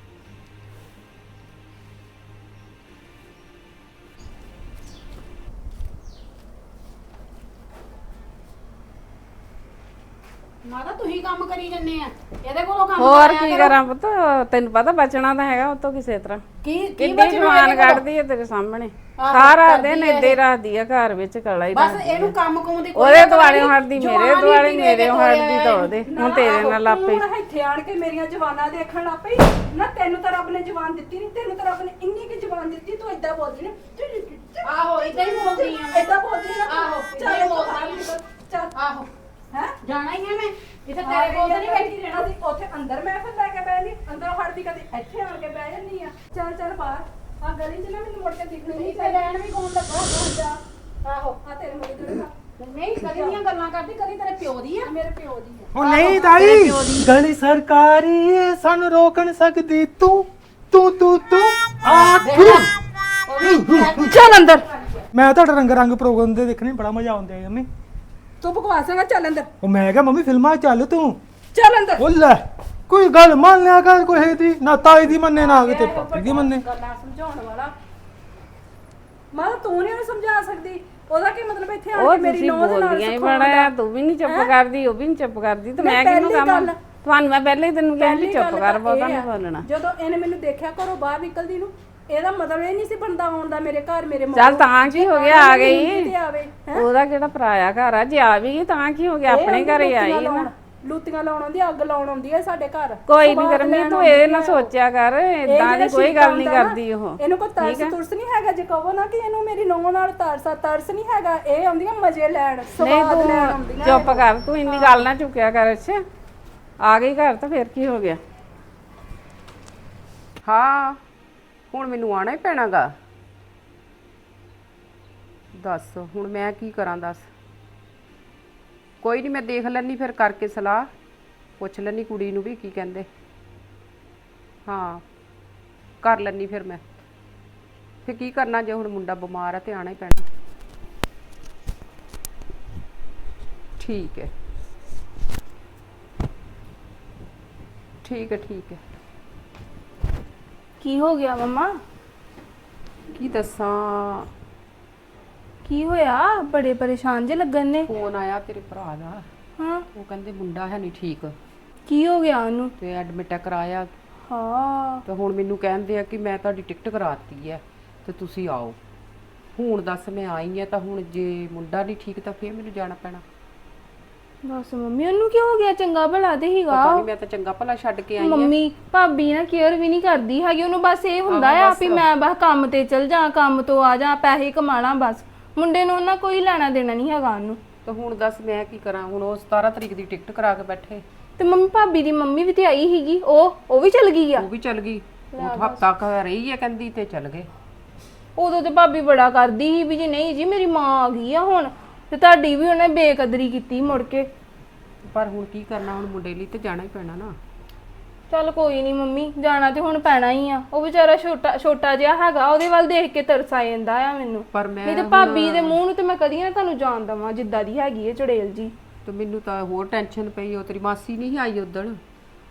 Speaker 2: ਮਾਤਾ ਤੁਸੀਂ ਕੰਮ ਕਰੀ ਜੰਨੇ ਆ, ਇਹਦੇ ਕੋਲੋਂ ਕੰਮ
Speaker 5: ਹੋਰ
Speaker 2: ਕਰਾਇਆ
Speaker 5: ਕੀ
Speaker 2: ਕਰੋ।
Speaker 5: ਕਰਾਂ ਪੁੱਤ, ਤੈਨੂੰ ਪਤਾ ਬਚਣਾ ਤਾਂ ਹੈਗਾ ਉਹ ਤੋਂ ਕਿਸੇ ਤਰ੍ਹਾਂ।
Speaker 2: ਕੀ ਕੀ
Speaker 5: ਕਿੰਨੀ
Speaker 2: ਬਚਣਾ
Speaker 5: ਜਵਾਨ
Speaker 2: ਇਹਦੇ ਕੋਲੋਂ?
Speaker 5: ਕੱਢਦੀ ਹੈ ਤੇਰੇ ਸਾਹਮਣੇ,
Speaker 2: ਆਹੋ,
Speaker 5: ਸਾਰਾ
Speaker 2: ਕਰਦੀ
Speaker 5: ਦਿਨ
Speaker 2: ਹੈ
Speaker 5: ਇੱਦੇ ਹੀ ਰੱਖਦੀ ਆ ਘਰ ਵਿੱਚ, ਕਲਾ ਹੀ
Speaker 2: ਬਸ
Speaker 5: ਰੱਖਦੀ
Speaker 2: ਇਹਨੂੰ
Speaker 5: ਆ।
Speaker 2: ਕੰਮ ਕੁਮ ਦੀ ਕੋਈ
Speaker 5: ਉਹਦੇ
Speaker 2: ਪਤਾ
Speaker 5: ਦੁਆਲੇ
Speaker 2: ਨਹੀਂ।
Speaker 5: ਹਟਦੀ, ਮੇਰੇ
Speaker 2: ਜਵਾਨ
Speaker 5: ਦੁਆਲੇ
Speaker 2: ਹੀ
Speaker 5: ਮੇਰੇ
Speaker 2: ਦੇ ਕੇ
Speaker 5: ਹਟਦੀ ਤਾਂ
Speaker 2: ਤੋਰਿਆ
Speaker 5: ਉਹਦੇ।
Speaker 1: ਨਾ,
Speaker 5: ਹੁਣ ਤੇਰੇ
Speaker 1: ਆਹੋ,
Speaker 5: ਨਾਲ ਆਪੇ
Speaker 1: ਤੂੰ ਇੱਥੇ ਆਣ ਕੇ ਮੇਰੀਆਂ ਜਵਾਨਾਂ ਦੇਖਣ ਲੱਗ ਪਈ ਨਾ। ਤੈਨੂੰ ਤਾਂ ਰੱਬ ਨੇ ਜਵਾਨ ਦਿੱਤੀ ਨਹੀਂ, ਤੈਨੂੰ ਤਾਂ ਰੱਬ ਨੇ ਇੰਨੀ ਕਿ ਜਵਾਨ ਦਿੱਤੀ, ਤੂੰ ਏਦਾਂ ਬੋਲਦੀ ਨਾ।
Speaker 2: ਆਹੋ ਏਦਾਂ ਹੀ ਬੋਲਦੀ ਆ ਮੈਂ।
Speaker 1: ਏਦਾਂ ਬੋਲਦੀ ਨਾ।
Speaker 2: ਆਹੋ,
Speaker 1: ਚੱਲ
Speaker 2: ਏਦਾਂ ਹੀ
Speaker 1: ਬਾਹਰ
Speaker 2: ਬੋਲਦੀ
Speaker 1: ਨਿਕਲ, ਚੱਲ।
Speaker 2: ਆਹੋ
Speaker 1: ਹੈ
Speaker 2: ਜਾਣਾ ਹੀ ਹੈ ਮੈਂ, ਜਿੱਥੇ ਤੇਰੇ ਕੋਲ ਤਾਂ ਨਹੀਂ ਬੈਠੀ ਰਹਿਣਾ ਸੀ।
Speaker 1: ਉੱਥੇ ਅੰਦਰ ਮੈਂ ਫਿਰ ਲੈ ਕੇ ਬਹਿ ਨਹੀਂ, ਅੰਦਰੋਂ ਹੜਦੀ ਕਦੇ ਇੱਥੇ ਆਣ ਕੇ ਬਹਿ ਜਾਂਦੀ ਆ। ਚੱਲ ਚੱਲ ਬਾਹਰ ਆ ਗਲੀ 'ਚ ਨਾ ਮੈਨੂੰ ਮੁੜ ਕੇ ਦਿਖਣੀ ਨਹੀਂ
Speaker 2: ਤੇ ਰਹਿਣ ਵੀ ਕੌਣ ਲੱਗਾ?
Speaker 1: ਜਾ ਆਹੋ ਆ ਤੇਰੇ ਮੁੰਡੇ ਦੇ ਨਾਲ
Speaker 2: ਨਹੀਂ ਕਦੀ ਦੀਆਂ ਗੱਲਾਂ ਕਰਦੀ, ਕਦੀ ਤੇਰੇ ਪਿਓ ਦੀ ਆ।
Speaker 1: ਮੇਰੇ ਪਿਓ ਦੀ ਆ।
Speaker 4: ਉਹ ਨਹੀਂ ਤਾਈ, ਗਲੀ ਸਰਕਾਰੀ ਏ, ਸਾਨੂੰ ਰੋਕ ਨਹੀਂ ਸਕਦੀ ਤੂੰ ਤੂੰ ਤੂੰ ਤੂੰ ਆ ਤੂੰ।
Speaker 2: ਚੱਲ ਅੰਦਰ।
Speaker 4: ਮੈਂ ਤੁਹਾਡਾ ਰੰਗ ਰੰਗ ਪ੍ਰੋਗਰਾਮ ਦੇ ਦੇਖਣੇ ਬੜਾ ਮਜ਼ਾ ਆਉਂਦਾ ਹੈ ਮੰਮੀ।
Speaker 1: ਤੂੰ ਬਕਵਾਸ ਨਾ, ਚੱਲ ਅੰਦਰ,
Speaker 4: ਉਹ ਮੈਂ ਕਿਹਾ ਮੰਮੀ ਫਿਲਮਾਂ 'ਚ ਚੱਲ ਤੂੰ।
Speaker 1: ਚੱਲ ਅੰਦਰ।
Speaker 4: ਉਹ ਲੈ ਕੋਈ ਗੱਲ ਮੰਨ ਲਿਆ ਕਰ, ਕੋਈ ਦੀ ਨਾ ਤਾਈ ਦੀ ਮੰਨੇ ਨਾ ਕਿਤੇ ਪਾਪੀ ਦੀ ਮੰਨੇ।
Speaker 1: ਗੱਲਾਂ ਸਮਝਾਉਣ ਵਾਲਾ ਮਾਂ ਤੂੰ ਨਹੀਂ ਉਹਨੂੰ ਸਮਝਾ ਸਕਦੀ। ਉਹਦਾ ਕੀ ਮਤਲਬ ਇੱਥੇ ਆਣ
Speaker 5: ਉਹ
Speaker 1: ਕੇ ਮੇਰੀ
Speaker 5: ਤੁਸੀਂ
Speaker 1: ਨੌਂ ਦੇ ਨਾਲ
Speaker 5: ਬੋਲਦੀਆਂ ਹੀ
Speaker 1: ਸਿਖਾਉਣ
Speaker 5: ਬੜਾ ਆ,
Speaker 1: ਦਾ।
Speaker 5: ਤੂੰ ਵੀ ਨਹੀਂ ਚੁੱਪ
Speaker 1: ਹੈਂ?
Speaker 5: ਕਰਦੀ, ਉਹ ਵੀ ਨਹੀਂ ਚੁੱਪ ਕਰਦੀ, ਤੇ
Speaker 1: ਮੈਂ
Speaker 5: ਮੈਂ ਕਿਹਨੂੰ
Speaker 1: ਪਹਿਲੀ
Speaker 5: ਕਹਾਂ?
Speaker 1: ਗੱਲ-
Speaker 5: ਤੁਹਾਨੂੰ ਮੈਂ ਪਹਿਲੇ ਹੀ ਤੈਨੂੰ ਕਿਹਾ ਵੀ
Speaker 1: ਪਹਿਲੀ
Speaker 5: ਚੁੱਪ
Speaker 1: ਗੱਲ
Speaker 5: ਕਰ,
Speaker 1: ਤਾਂ
Speaker 5: ਬਹੁਤਾ
Speaker 1: ਇਹ
Speaker 5: ਨਹੀਂ
Speaker 1: ਆ,
Speaker 5: ਬੋਲਣਾ।
Speaker 1: ਜਦੋਂ ਇਹਨੇ ਮੈਨੂੰ ਦੇਖਿਆ ਘਰੋਂ ਬਾਹਰ ਨਿਕਲਦੀ ਨੂੰ, ਇਹਦਾ ਮਤਲਬ ਇਹ ਨਹੀਂ ਸੀ ਬਣਦਾ ਆਉਣ ਦਾ ਮੇਰੇ ਘਰ, ਮੇਰੇ ਮਾਂ
Speaker 5: ਚੱਲ ਤਾਂ ਕੀ ਹੋ ਗਿਆ, ਆ ਗਈ।
Speaker 1: ਤੇ ਆਵੇ ਹੈਂ?
Speaker 5: ਉਹਦਾ ਕਿਹੜਾ ਪਰਾਇਆ ਘਰ ਆ, ਜੇ ਆ ਵੀ ਗਈ ਤਾਂ ਕੀ ਹੋ ਗਿਆ,
Speaker 1: ਇਹ
Speaker 5: ਆਪਣੇ
Speaker 1: ਆਉਂਦੀ
Speaker 5: ਘਰੇ
Speaker 1: ਲੂਤੀਆਂ
Speaker 5: ਆਈ ਹੈ
Speaker 1: ਲਾਉਣ,
Speaker 5: ਨਾ।
Speaker 1: ਲੂਤੀਆਂ ਲਾਉਣ ਆਉਂਦੀ, ਅੱਗ ਲਾਉਣ ਆਉਂਦੀ ਹੈ ਸਾਡੇ ਘਰ।
Speaker 5: ਕੋਈ ਨਹੀਂ
Speaker 1: ਸਵਾਦ
Speaker 5: ਕਰਮੀ,
Speaker 1: ਲੈਣ
Speaker 5: ਤੂੰ
Speaker 1: ਆਉਂਦੀ
Speaker 5: ਇਹ ਨਾ
Speaker 1: ਹੈ ਉਹ।
Speaker 5: ਸੋਚਿਆ ਕਰ,
Speaker 1: ਇਹ
Speaker 5: ਇਦਾਂ
Speaker 1: ਜਿਹੜਾ
Speaker 5: ਦੀ ਕੋਈ
Speaker 1: ਸ਼ੀਸ਼ਾ
Speaker 5: ਗੱਲ ਨਹੀਂ
Speaker 1: ਹੁੰਦਾ ਨਾ,
Speaker 5: ਕਰਦੀ ਉਹ।
Speaker 1: ਇਹਨੂੰ ਕੋਈ ਤਰਸ
Speaker 5: ਠੀਕ ਹੈ?
Speaker 1: ਤੁਰਸ ਨਹੀਂ ਹੈਗਾ। ਜੇ ਕਹੋ ਨਾ ਕਿ ਇਹਨੂੰ ਮੇਰੀ ਨੌਂ ਨਾਲ ਤਰਸ ਆ, ਤਰਸ ਨਹੀਂ ਹੈਗਾ। ਇਹ ਆਉਂਦੀਆਂ ਮਜ਼ੇ ਲੈਣ,
Speaker 5: ਨਹੀਂ
Speaker 1: ਸਵਾਦ ਲੈਣ ਆਉਂਦੀਆਂ।
Speaker 5: ਤੂੰ ਚੁੱਪ ਕਰ, ਤੂੰ ਇੰਨੀ ਗੱਲ ਨਾ ਚੁੱਕਿਆ ਕਰ। ਅੱਛਾ ਆ ਗਈ ਘਰ ਤਾਂ ਫਿਰ ਕੀ ਹੋ ਗਿਆ?
Speaker 6: ਹਾਂ ਹੁਣ ਮੈਨੂੰ ਆਣਾ ਹੀ ਪੈਣਾਗਾ। ਦੱਸ ਹੁਣ ਮੈਂ ਕੀ ਕਰਾਂ, ਦੱਸ। ਕੋਈ ਨਹੀਂ ਮੈਂ ਦੇਖ ਲੈਣੀ, ਫਿਰ ਕਰਕੇ ਸਲਾਹ ਪੁੱਛ ਲੈਣੀ ਕੁੜੀ ਨੂੰ ਵੀ ਕੀ ਕਹਿੰਦੇ। ਹਾਂ ਕਰ ਲੈਣੀ ਫਿਰ ਮੈਂ। ਫਿਰ ਕੀ ਕਰਨਾ ਜੇ ਹੁਣ ਮੁੰਡਾ ਬਿਮਾਰ ਆ ਤੇ ਆਣਾ ਹੀ ਪੈਣਾ। ਠੀਕ ਹੈ ਠੀਕ ਹੈ ਠੀਕ ਹੈ।
Speaker 3: ਕੀ ਹੋ ਗਿਆ ਮੰਮਾ?
Speaker 6: ਕੀ ਦੱਸਾਂ,
Speaker 3: ਕੀ ਹੋਇਆ? ਬੜੇ ਪਰੇਸ਼ਾਨ ਜੇ ਲੱਗਣ ਨੇ।
Speaker 6: ਫੋਨ ਆਇਆ ਤੇਰੇ ਭਰਾ ਦਾ,
Speaker 3: ਹਾਂ
Speaker 6: ਉਹ ਕਹਿੰਦੇ ਮੁੰਡਾ ਹੈ ਨਹੀਂ ਠੀਕ
Speaker 3: ਕੀ ਹੋ ਗਿਆ ਉਹਨੂੰ?
Speaker 6: ਤੇ ਐਡਮਿਟ ਕਰਾਇਆ।
Speaker 3: ਹਾਂ
Speaker 6: ਤੇ ਹੁਣ ਮੈਨੂੰ ਕਹਿੰਦੇ ਆ ਕਿ ਮੈਂ ਤੁਹਾਡੀ ਟਿਕਟ ਕਰਾਤੀ ਹੈ ਤੇ ਤੁਸੀਂ ਆਓ। ਹੁਣ ਦੱਸ ਮੈਂ ਆਈ ਆ ਤਾਂ ਹੁਣ ਜੇ ਮੁੰਡਾ ਨਹੀਂ ਠੀਕ ਤਾਂ ਫੇਰ ਮੈਨੂੰ ਜਾਣਾ ਪੈਣਾ।
Speaker 3: ਬਸ ਮੰਮੀ ਉਹਨੂੰ ਕੀ ਹੋ ਗਿਆ? ਚੰਗਾ ਭਲਾ ਤੇ ਹੀਗਾ।
Speaker 6: ਪਤਾ ਨਹੀਂ, ਮੈਂ ਤਾਂ ਚੰਗਾ ਭਲਾ ਛੱਡ ਕੇ ਆਈ ਆ।
Speaker 3: ਮੰਮੀ ਭਾਬੀ ਨਾ ਕੇਅਰ ਵੀ ਨਹੀਂ ਕਰਦੀ ਹੈਗੀ ਉਹਨੂੰ। ਬਸ ਇਹ ਹੁੰਦਾ
Speaker 6: ਆਹੋ
Speaker 3: ਆ
Speaker 6: ਬਸ।
Speaker 3: ਵੀ ਮੈਂ ਬਸ ਕੰਮ ਤੇ ਚਲ ਜਾ, ਕੰਮ ਤੋਂ ਆ ਜਾ, ਪੈਸੇ ਕਮਾ ਲਾਂ ਬਸ। ਮੁੰਡੇ ਨੂੰ ਉਹਨਾਂ ਕੋਈ ਲੈਣਾ ਦੇਣਾ ਨਹੀਂ ਹੈਗਾ ਉਹਨੂੰ।
Speaker 6: ਤਾਂ ਹੁਣ ਦੱਸ ਮੈਂ ਕੀ ਕਰਾਂ? ਹੁਣ ਉਹ ਸਤਾਰਾਂ ਤਰੀਕ ਦੀ ਟਿਕਟ ਕਰਾ ਕੇ ਬੈਠੇ।
Speaker 3: ਤੇ ਮੰਮੀ ਭਾਬੀ ਦੀ ਮੰਮੀ ਵੀ ਤੇ ਆਈ ਸੀਗੀ, ਉਹ ਉਹ ਵੀ ਚਲ ਗਈ ਆ।
Speaker 6: ਉਹ ਵੀ ਚੱਲ ਗਈ, ਉਹ ਹਫਤਾ ਕ ਰਹੀ ਹੈ ਕਹਿੰਦੀ ਤੇ ਚੱਲ ਗਏ।
Speaker 3: ਉਦੋਂ ਤੇ ਭਾਬੀ ਬੜਾ ਕਰਦੀ ਸੀ ਵੀ ਜੀ ਨਹੀਂ ਜੀ ਮੇਰੀ ਮਾਂ ਆ ਗਈ ਆ ਹੁਣ, ਤੇ ਤੁਹਾਡੀ ਵੀ ਉਹਨੇ ਬੇਕਦਰੀ ਕੀਤੀ ਮੁੜ ਕੇ।
Speaker 6: ਪਰ ਹੁਣ ਕੀ ਕਰਨਾ, ਹੁਣ ਮੁੰਡੇ ਲਈ ਤੇ ਜਾਣਾ ਹੀ ਪੈਣਾ ਨਾ।
Speaker 3: ਚੱਲ ਕੋਈ ਨਹੀਂ ਮੰਮੀ, ਜਾਣਾ ਤੇ ਹੁਣ ਪੈਣਾ ਹੀ ਆ। ਉਹ ਵਿਚਾਰਾ ਛੋਟਾ ਛੋਟਾ ਜਿਹਾ ਹੈਗਾ, ਉਹਦੇ ਵੱਲ ਦੇਖ ਕੇ ਤਰਸ ਆ ਜਾਂਦਾ ਆ ਮੈਨੂੰ।
Speaker 6: ਪਰ ਮੈਂ
Speaker 3: ਨਹੀਂ ਤੇ ਭਾਬੀ ਦੇ ਮੂੰਹ ਨੂੰ ਤੇ ਮੈਂ ਕਦੀ ਨਾ ਤੁਹਾਨੂੰ ਜਾਣ ਦਵਾਂ ਜਿੱਦਾਂ ਦੀ ਹੈਗੀ ਹੈ ਚੜੇਲ ਜੀ।
Speaker 6: ਤੇ ਮੈਨੂੰ ਤਾਂ ਹੋਰ ਟੈਨਸ਼ਨ ਪਈ। ਉਹ ਤੇਰੀ ਮਾਸੀ ਨਹੀਂ ਆਈ ਉਦਣ,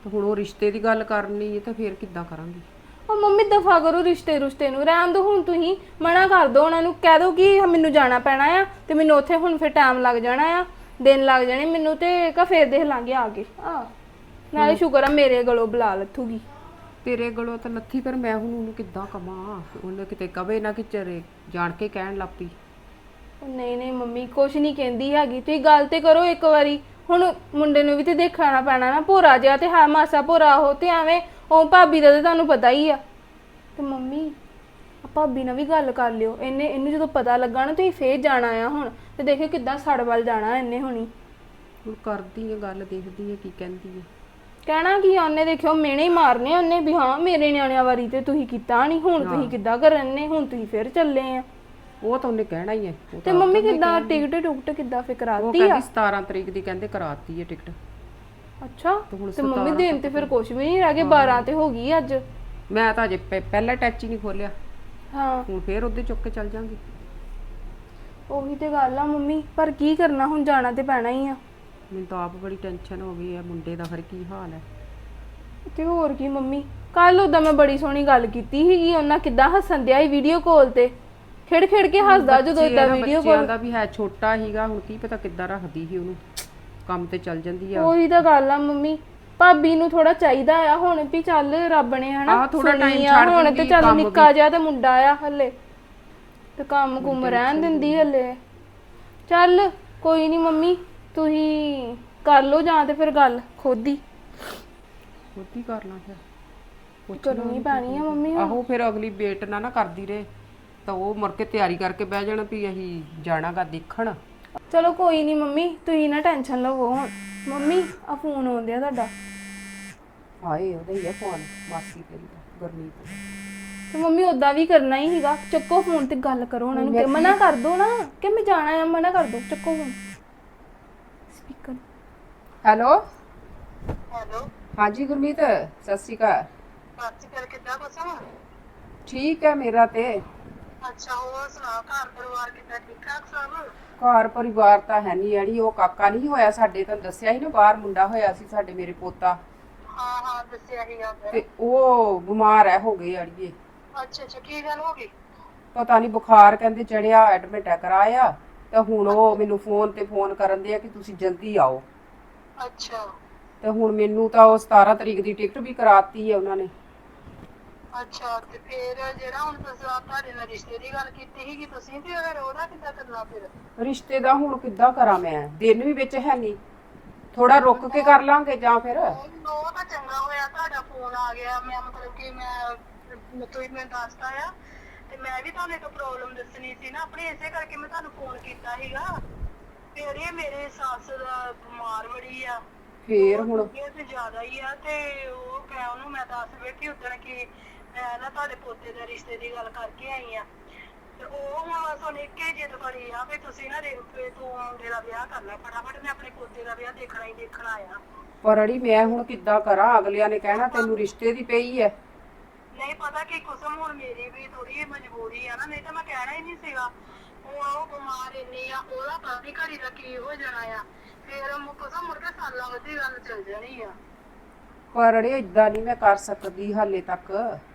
Speaker 6: ਤੇ ਹੁਣ ਉਹ ਰਿਸ਼ਤੇ ਦੀ ਗੱਲ ਕਰਨੀ ਹੈ ਤਾਂ ਫਿਰ ਕਿੱਦਾਂ ਕਰਾਂਗੀ?
Speaker 3: ਉਹ ਮੰਮੀ ਦਫਾ ਕਰੋ ਰਿਸ਼ਤੇ ਰੁਸ਼ਤੇ ਨੂੰ, ਰਹਿਣ ਦੋ ਹੁਣ। ਤੁਸੀਂ ਮਨਾ ਕਰ ਦੋ ਉਹਨਾਂ ਨੂੰ, ਕਹਿ ਦੋ ਕਿ ਮੈਨੂੰ ਜਾਣਾ ਪੈਣਾ ਆ ਤੇ ਮੈਨੂੰ ਉੱਥੇ ਹੁਣ ਫਿਰ ਟਾਈਮ ਲੱਗ ਜਾਣਾ ਆ, ਦਿਨ ਲੱਗ ਜਾਣੇ ਮੈਨੂੰ, ਤੇ ਕਾ ਫੇਰ ਦੇਖ ਲਾਂਗੇ ਆ ਕੇ। ਆ ਨਾਲੇ ਸ਼ੁਕਰ ਆ ਮੇਰੇ ਗਲੋਂ ਬੁਲਾ ਲੱਥੂਗੀ।
Speaker 6: ਤੇਰੇ ਗਲੋਂ ਤਾਂ ਲੱਥੀ, ਪਰ ਮੈਂ ਹੁਣ ਉਹਨੂੰ ਕਿੱਦਾਂ ਕਵਾਂ? ਉਹਨੇ ਕਿਤੇ ਕਵੇ ਨਾ ਕਿ ਚਰੇ ਜਾਣ ਕੇ ਕਹਿਣ ਲੱਗ ਪਈ।
Speaker 3: ਨਹੀਂ ਨਹੀਂ ਮੰਮੀ ਕੁਛ ਨਹੀਂ ਕਹਿੰਦੀ ਹੈਗੀ, ਤੁਸੀਂ ਗੱਲ ਤੇ ਕਰੋ ਇੱਕ ਵਾਰੀ। ਹੁਣ ਮੁੰਡੇ ਨੂੰ ਵੀ ਤੇ ਦੇਖਣਾ ਪੈਣਾ ਨਾ, ਭੋਰਾ ਜਿਹਾ ਤੇ ਹਾਂ ਮਾਸਾ ਭੋਰਾ ਉਹ ਤੇ ਐਵੇਂ ਉਹ ਭਾਬੀ ਦਾ ਤੇ ਤੁਹਾਨੂੰ ਪਤਾ ਹੀ ਆ। ਤੇ ਮੰਮੀ ਆ ਭਾਬੀ ਨਾਲ ਵੀ ਗੱਲ ਕਰ ਲਿਓ, ਇਹਨੇ ਇਹਨੂੰ ਜਦੋਂ ਪਤਾ ਲੱਗਾ ਨਾ ਤੁਸੀਂ ਫੇਰ ਜਾਣਾ ਆ ਹੁਣ, ਤੇ ਦੇਖਿਓ ਕਿੱਦਾਂ ਸੜ ਵੱਲ ਜਾਣਾ ਇਹਨੇ ਹੁਣੀ।
Speaker 6: ਹੁਣ ਕਰਦੀ ਹੈ ਗੱਲ, ਦੇਖਦੀ ਹੈ ਕੀ ਕਹਿੰਦੀ ਹੈ।
Speaker 3: ਕਹਿਣਾ ਕੀ ਆ ਉਹਨੇ, ਦੇਖਿਓ ਮਿਹਣੇ ਹੀ ਮਾਰਨੇ ਉਹਨੇ ਵੀ ਹਾਂ ਮੇਰੇ ਨਿਆਣਿਆਂ ਵਾਰੀ ਤੇ ਤੁਸੀਂ ਕੀਤਾ ਨਹੀਂ, ਹੁਣ ਤੁਸੀਂ ਕਿੱਦਾਂ ਕਰਨ ਨੇ, ਹੁਣ ਤੁਸੀਂ ਫੇਰ ਚੱਲੇ ਆ।
Speaker 6: ਉਹ ਤਾਂ ਉਹਨੇ ਕਹਿਣਾ ਹੀ ਹੈ। ਉਹ
Speaker 3: ਤੇ
Speaker 6: ਤਾਂ
Speaker 3: ਮੰਮੀ ਕਿੱਦਾਂ ਟਿਕਟ ਟੁਕਟ ਕਿੱਦਾਂ
Speaker 6: ਉਹ
Speaker 3: ਫਿਕਰਾਤੀ ਆ?
Speaker 6: ਕਹਿੰਦੀ ਸਤਾਰਾਂ ਤਰੀਕ ਦੀ ਕਹਿੰਦੇ ਕਰਾਤੀ ਹੈ ਟਿਕਟ।
Speaker 3: ਅੱਛਾ
Speaker 6: ਤੇ ਹੁਣ
Speaker 3: ਤੇ ਮੰਮੀ ਦਿਨ ਤੇ ਫਿਰ ਕੁਝ ਵੀ ਨਹੀਂ ਰਹਿ ਗਏ, ਬਾਰਾਂ ਤੇ ਹੋ ਗਈ ਅੱਜ।
Speaker 6: ਮੈਂ ਤਾਂ ਅਜੇ ਪਹਿ- ਪਹਿਲਾ ਟੈਚ ਹੀ ਨਹੀਂ ਖੋਲਿਆ,
Speaker 3: ਹਾਂ
Speaker 6: ਹੁਣ ਫੇਰ ਉਹਦੇ ਚੁੱਕ ਕੇ ਚੱਲ ਜਾਾਂਗੀ।
Speaker 3: ਉਹੀ ਤੇ ਗੱਲ ਆ ਮੰਮੀ, ਪਰ ਕੀ ਕਰਨਾ ਹੁਣ, ਜਾਣਾ ਤੇ ਪੈਣਾ ਹੀ ਆ।
Speaker 6: ਮੈਨੂੰ ਤਾਂ ਆਪ ਬੜੀ ਟੈਨਸ਼ਨ ਹੋ ਗਈ ਹੈ, ਮੁੰਡੇ ਦਾ ਫਿਰ ਕੀ ਹਾਲ ਹੈ।
Speaker 3: ਤੇ ਹੋਰ ਕੀ ਮੰਮੀ, ਕੱਲ ਉਹਦਾ ਮੈਂ ਬੜੀ ਸੋਹਣੀ ਗੱਲ ਕੀਤੀ ਸੀਗੀ, ਉਹਨਾਂ ਕਿੱਦਾਂ ਹੱਸਣ ਦਿਆ ਸੀ ਵੀਡੀਓ ਕਾਲ ਤੇ, ਖੇੜ ਖੇੜ ਕੇ ਹੱਸਦਾ ਜਦੋਂ ਇਦਾਂ ਵੀਡੀਓ
Speaker 6: ਬੱਚਿਆਂ
Speaker 3: ਕਾਲ।
Speaker 6: ਦਾ ਵੀ ਹੈ, ਛੋਟਾ ਹੀਗਾ, ਹੁਣ ਕੀ ਪਤਾ ਕਿੱਦਾਂ ਰੱਖਦੀ ਸੀ ਉਹਨੂੰ, ਕੰਮ ਤੇ ਚੱਲ ਜਾਂਦੀ ਆ।
Speaker 3: ਉਹੀ ਤਾਂ ਗੱਲ ਆ ਮੰਮੀ, ਭਾਬੀ ਨੂੰ ਥੋੜਾ ਚਾਹੀਦਾ ਆ ਹੁਣ ਵੀ ਚੱਲ ਰੱਬ ਨੇ ਹਨਾ
Speaker 6: ਆਹ ਥੋੜਾ
Speaker 3: ਸੁਣੀ
Speaker 6: time
Speaker 3: ਆ,
Speaker 6: ਛੱਡ
Speaker 3: ਹੁਣ ਤੇ
Speaker 6: ਦਿੰਦੀ
Speaker 3: ਚੱਲ
Speaker 6: ਕੰਮ
Speaker 3: ਨਿੱਕਾ ਜਿਹਾ ਤੇ ਮੁੰਡਾ ਆ ਹਲੇ, ਤੇ ਕੰਮ ਕੁਮ ਰਹਿਣ ਦਿੰਦੀ ਹਲੇ। ਚੱਲ ਕੋਈ ਨਹੀਂ ਮੰਮੀ, ਤੁਸੀਂ ਕਰ ਲਓ ਜਾਂ ਤੇ ਫਿਰ ਗੱਲ ਖੁਦ ਹੀ
Speaker 6: ਖੁਦ ਕਰ ਲਾਂ ਫਿਰ,
Speaker 3: ਕਰਨੀ ਪੈਣੀ ਆ ਮੰਮੀ।
Speaker 6: ਆਹੋ ਫਿਰ ਅਗਲੀ ਵੇਟ ਨਾ ਨਾ ਕਰਦੀ ਰਹੇ ਤਾਂ ਉਹ ਮੁੜ ਕੇ ਤਿਆਰੀ ਕਰਕੇ ਬਹਿ ਜਾਣਾ ਵੀ ਅਸੀਂ ਜਾਣਾਗਾ ਦੇਖਣ।
Speaker 3: ਚਲੋ ਕੋਈ ਨਹੀਂ ਮੰਮੀ, ਤੁਸੀਂ ਨਾ ਟੈਨਸ਼ਨ ਲਵੋ ਹੁਣ। ਮੰਮੀ ਆ ਫੋਨ ਆਉਂਦਿਆ ਤੁਹਾਡਾ।
Speaker 6: ਹਾਏ ਉਹਦਾ ਹੀ ਆ ਫੋਨ, ਮਾਸੀ ਤੇਰੀ ਦਾ, ਗੁਰਮੀਤ।
Speaker 3: ਤੇ ਮੰਮੀ ਉਦਾਂ ਵੀ ਕਰਨਾ ਹੀ ਸੀਗਾ, ਚੱਕੋ ਫੋਨ ਤੇ ਗੱਲ ਕਰੋ ਉਹਨਾਂ ਨੂੰ, ਕਿ ਮਨਾ ਕਰ ਦੋ ਨਾ ਕਿ ਮੈਂ ਜਾਣਾ ਆ, ਮਨਾ ਕਰ ਦੋ, ਚੱਕੋ ਫੋਨ ਸਪੀਕਰ।
Speaker 6: ਹੈਲੋ
Speaker 7: ਹੈਲੋ
Speaker 6: ਹਾਂਜੀ ਗੁਰਮੀਤ, ਸਤਿ ਸ਼੍ਰੀ ਅਕਾਲ।
Speaker 7: ਸੱਚ ਕਰ ਕਿੱਦਾਂ ਬਸਾ?
Speaker 6: ਠੀਕ ਹੈ ਮੇਰਾ ਤੇ।
Speaker 7: ਅੱਛਾ ਹੋਰ ਸੁਣਾ, ਘਰ ਪਰਿਵਾਰ ਕਿੱਦਾਂ, ਠੀਕ ਠਾਕ ਸਭ?
Speaker 6: ਘਰ ਪਰਿਵਾਰ ਤਾਂ ਹੈ ਨਹੀਂ ਅੜੀ, ਉਹ ਕਾਕਾ ਨਹੀਂ ਹੋਇਆ ਸਾਡੇ, ਤਾਂ ਦੱਸਿਆ ਸੀ ਨਾ ਬਾਹਰ ਮੁੰਡਾ ਹੋਇਆ ਸੀ ਸਾਡੇ, ਮੇਰੇ ਪੋਤਾ।
Speaker 7: ਹਾਂ ਹਾਂ ਦੱਸਿਆ ਸੀਗਾ ਫਿਰ।
Speaker 6: ਤੇ ਉਹ ਬਿਮਾਰ ਹੈ, ਹੋ ਗਏ ਅੜੀਏ।
Speaker 7: ਅੱਛਾ ਅੱਛਾ ਕੀ ਗੱਲ ਹੋ ਗਈ?
Speaker 6: ਪਤਾ ਨਹੀਂ ਬੁਖਾਰ ਕਹਿੰਦੇ ਚੜਿਆ, ਐਡਮਿਟ ਹੈ ਕਰਾਇਆ। ਤੇ ਹੁਣ ਉਹ ਮੈਨੂੰ ਫੋਨ ਤੇ ਫੋਨ ਕਰਨ ਦੇ ਆ ਕਿ ਤੁਸੀਂ ਜਲਦੀ ਆਓ।
Speaker 7: ਅੱਛਾ
Speaker 6: ਤੇ ਹੁਣ ਮੈਨੂੰ ਤਾਂ ਉਹ ਸਤਾਰਾਂ ਤਰੀਕ ਦੀ ਟਿਕਟ ਵੀ ਕਰਾਤੀ ਹੈ ਉਹਨਾਂ ਨੇ।
Speaker 7: ਅੱਛਾ ਤੇ ਫਿਰ ਜਿਹੜਾ ਹੁਣ ਤੁਸੀਂ ਆਪ ਤੁਹਾਡੇ ਨਾਲ ਰਿਸ਼ਤੇ ਦੀ ਗੱਲ ਕੀਤੀ ਸੀਗੀ ਤੁਸੀਂ, ਤੇ ਫਿਰ ਉਹਦਾ ਕਿੱਦਾਂ ਕਰਨਾ ਫਿਰ?
Speaker 6: ਰਿਸ਼ਤੇ ਦਾ ਹੁਣ ਕਿੱਦਾਂ ਕਰਾਂ ਮੈਂ, ਦਿਨ ਵੀ ਵਿੱਚ ਹੈ ਨਹੀਂ, ਥੋੜਾ ਰੁਕ ਕੇ ਕਰ ਲਾਂਗੇ ਜਾਂ ਫਿਰ।
Speaker 7: ਉਹ ਤਾਂ ਚੰਗਾ ਹੋਇਆ ਤੁਹਾਡਾ ਫੋਨ ਆ ਗਿਆ, ਮੈਂ ਮਤਲਬ ਕਿ ਮੈਂ ਤੁਸੀਂ ਮੈਨੂੰ ਦੱਸਤਾ ਆ, ਤੇ ਮੈਂ ਵੀ ਤੁਹਾਨੂੰ ਇੱਕ ਪ੍ਰੋਬਲਮ ਦੱਸਣੀ ਸੀ ਨਾ ਆਪਣੀ, ਇਸੇ ਕਰਕੇ ਮੈਂ ਤੁਹਾਨੂੰ ਫੋਨ ਕੀਤਾ ਸੀਗਾ। ਫਿਰ ਇਹ ਮੇਰੇ ਸੱਸ ਦਾ ਬਿਮਾਰ ਬੜੀ ਆ,
Speaker 6: ਫੇਰ ਹੁਣ
Speaker 7: ਇਹ ਤੇ ਜ਼ਿਆਦਾ ਹੀ ਆ, ਤੇ ਉਹ ਮੈਂ ਉਹਨੂੰ ਮੈਂ ਦੱਸ ਬੈਠੀ ਉਦੋਂ ਕਿ ਮੈਂ ਨਾ ਤੁਹਾਡੇ ਪੋਤੇ ਦੇ ਰਿਸ਼ਤੇ ਦੀ ਗੱਲ ਕਰਕੇ ਆਈ ਆ, ਤੇ ਉਹ ਹੁਣ ਸੁਣ ਕੇ ਜਿੱਦ ਕਰੀ ਆ ਵੀ ਤੁਸੀਂ ਨਾ ਰੇਪੇ ਤੋਂ ਮੁੰਡੇ ਦਾ ਵਿਆਹ ਕਰ ਲੈ ਫਟਾਫਟ, ਮੈਂ ਆਪਣੇ ਪੋਤੇ ਦਾ ਵਿਆਹ ਦੇਖਣਾ ਹੀ ਦੇਖਣਾ ਆ।
Speaker 6: ਪਰ ਅੜੀ ਮੈਂ ਹੁਣ ਕਿੱਦਾਂ ਕਰਾਂ, ਅਗਲਿਆਂ ਨੇ ਕਹਿਣਾ ਤੈਨੂੰ ਰਿਸ਼ਤੇ ਦੀ ਪਈ ਹੈ।
Speaker 7: ਨਹੀਂ ਪਤਾ ਕੀ ਕੁਸਮ, ਹੁਣ ਮੇਰੀ ਵੀ ਥੋੜੀ ਮਜਬੂਰੀ ਆ ਨਾ, ਨਹੀਂ ਤਾਂ ਮੈਂ ਕਹਿਣਾ ਹੀ ਨਹੀਂ ਸੀਗਾ। ਹੁਣ ਉਹ ਬਿਮਾਰ ਇੰਨੀ ਆ, ਉਹਦਾ ਕਾਫੀ ਘੜੀ ਦਾ ਕੀ ਹੋ ਜਾਣਾ ਆ, ਫਿਰ ਕੁਸਮ ਮੁੜ ਕੇ ਸਾਲਾਂ ਵਧੀ ਗੱਲ ਚੱਲ ਜਾਣੀ ਆ।
Speaker 6: ਪਰ ਅੜੇ ਏਦਾਂ ਨਹੀਂ ਮੈਂ ਕਰ ਸਕਦੀ ਹਾਲੇ ਤੱਕ।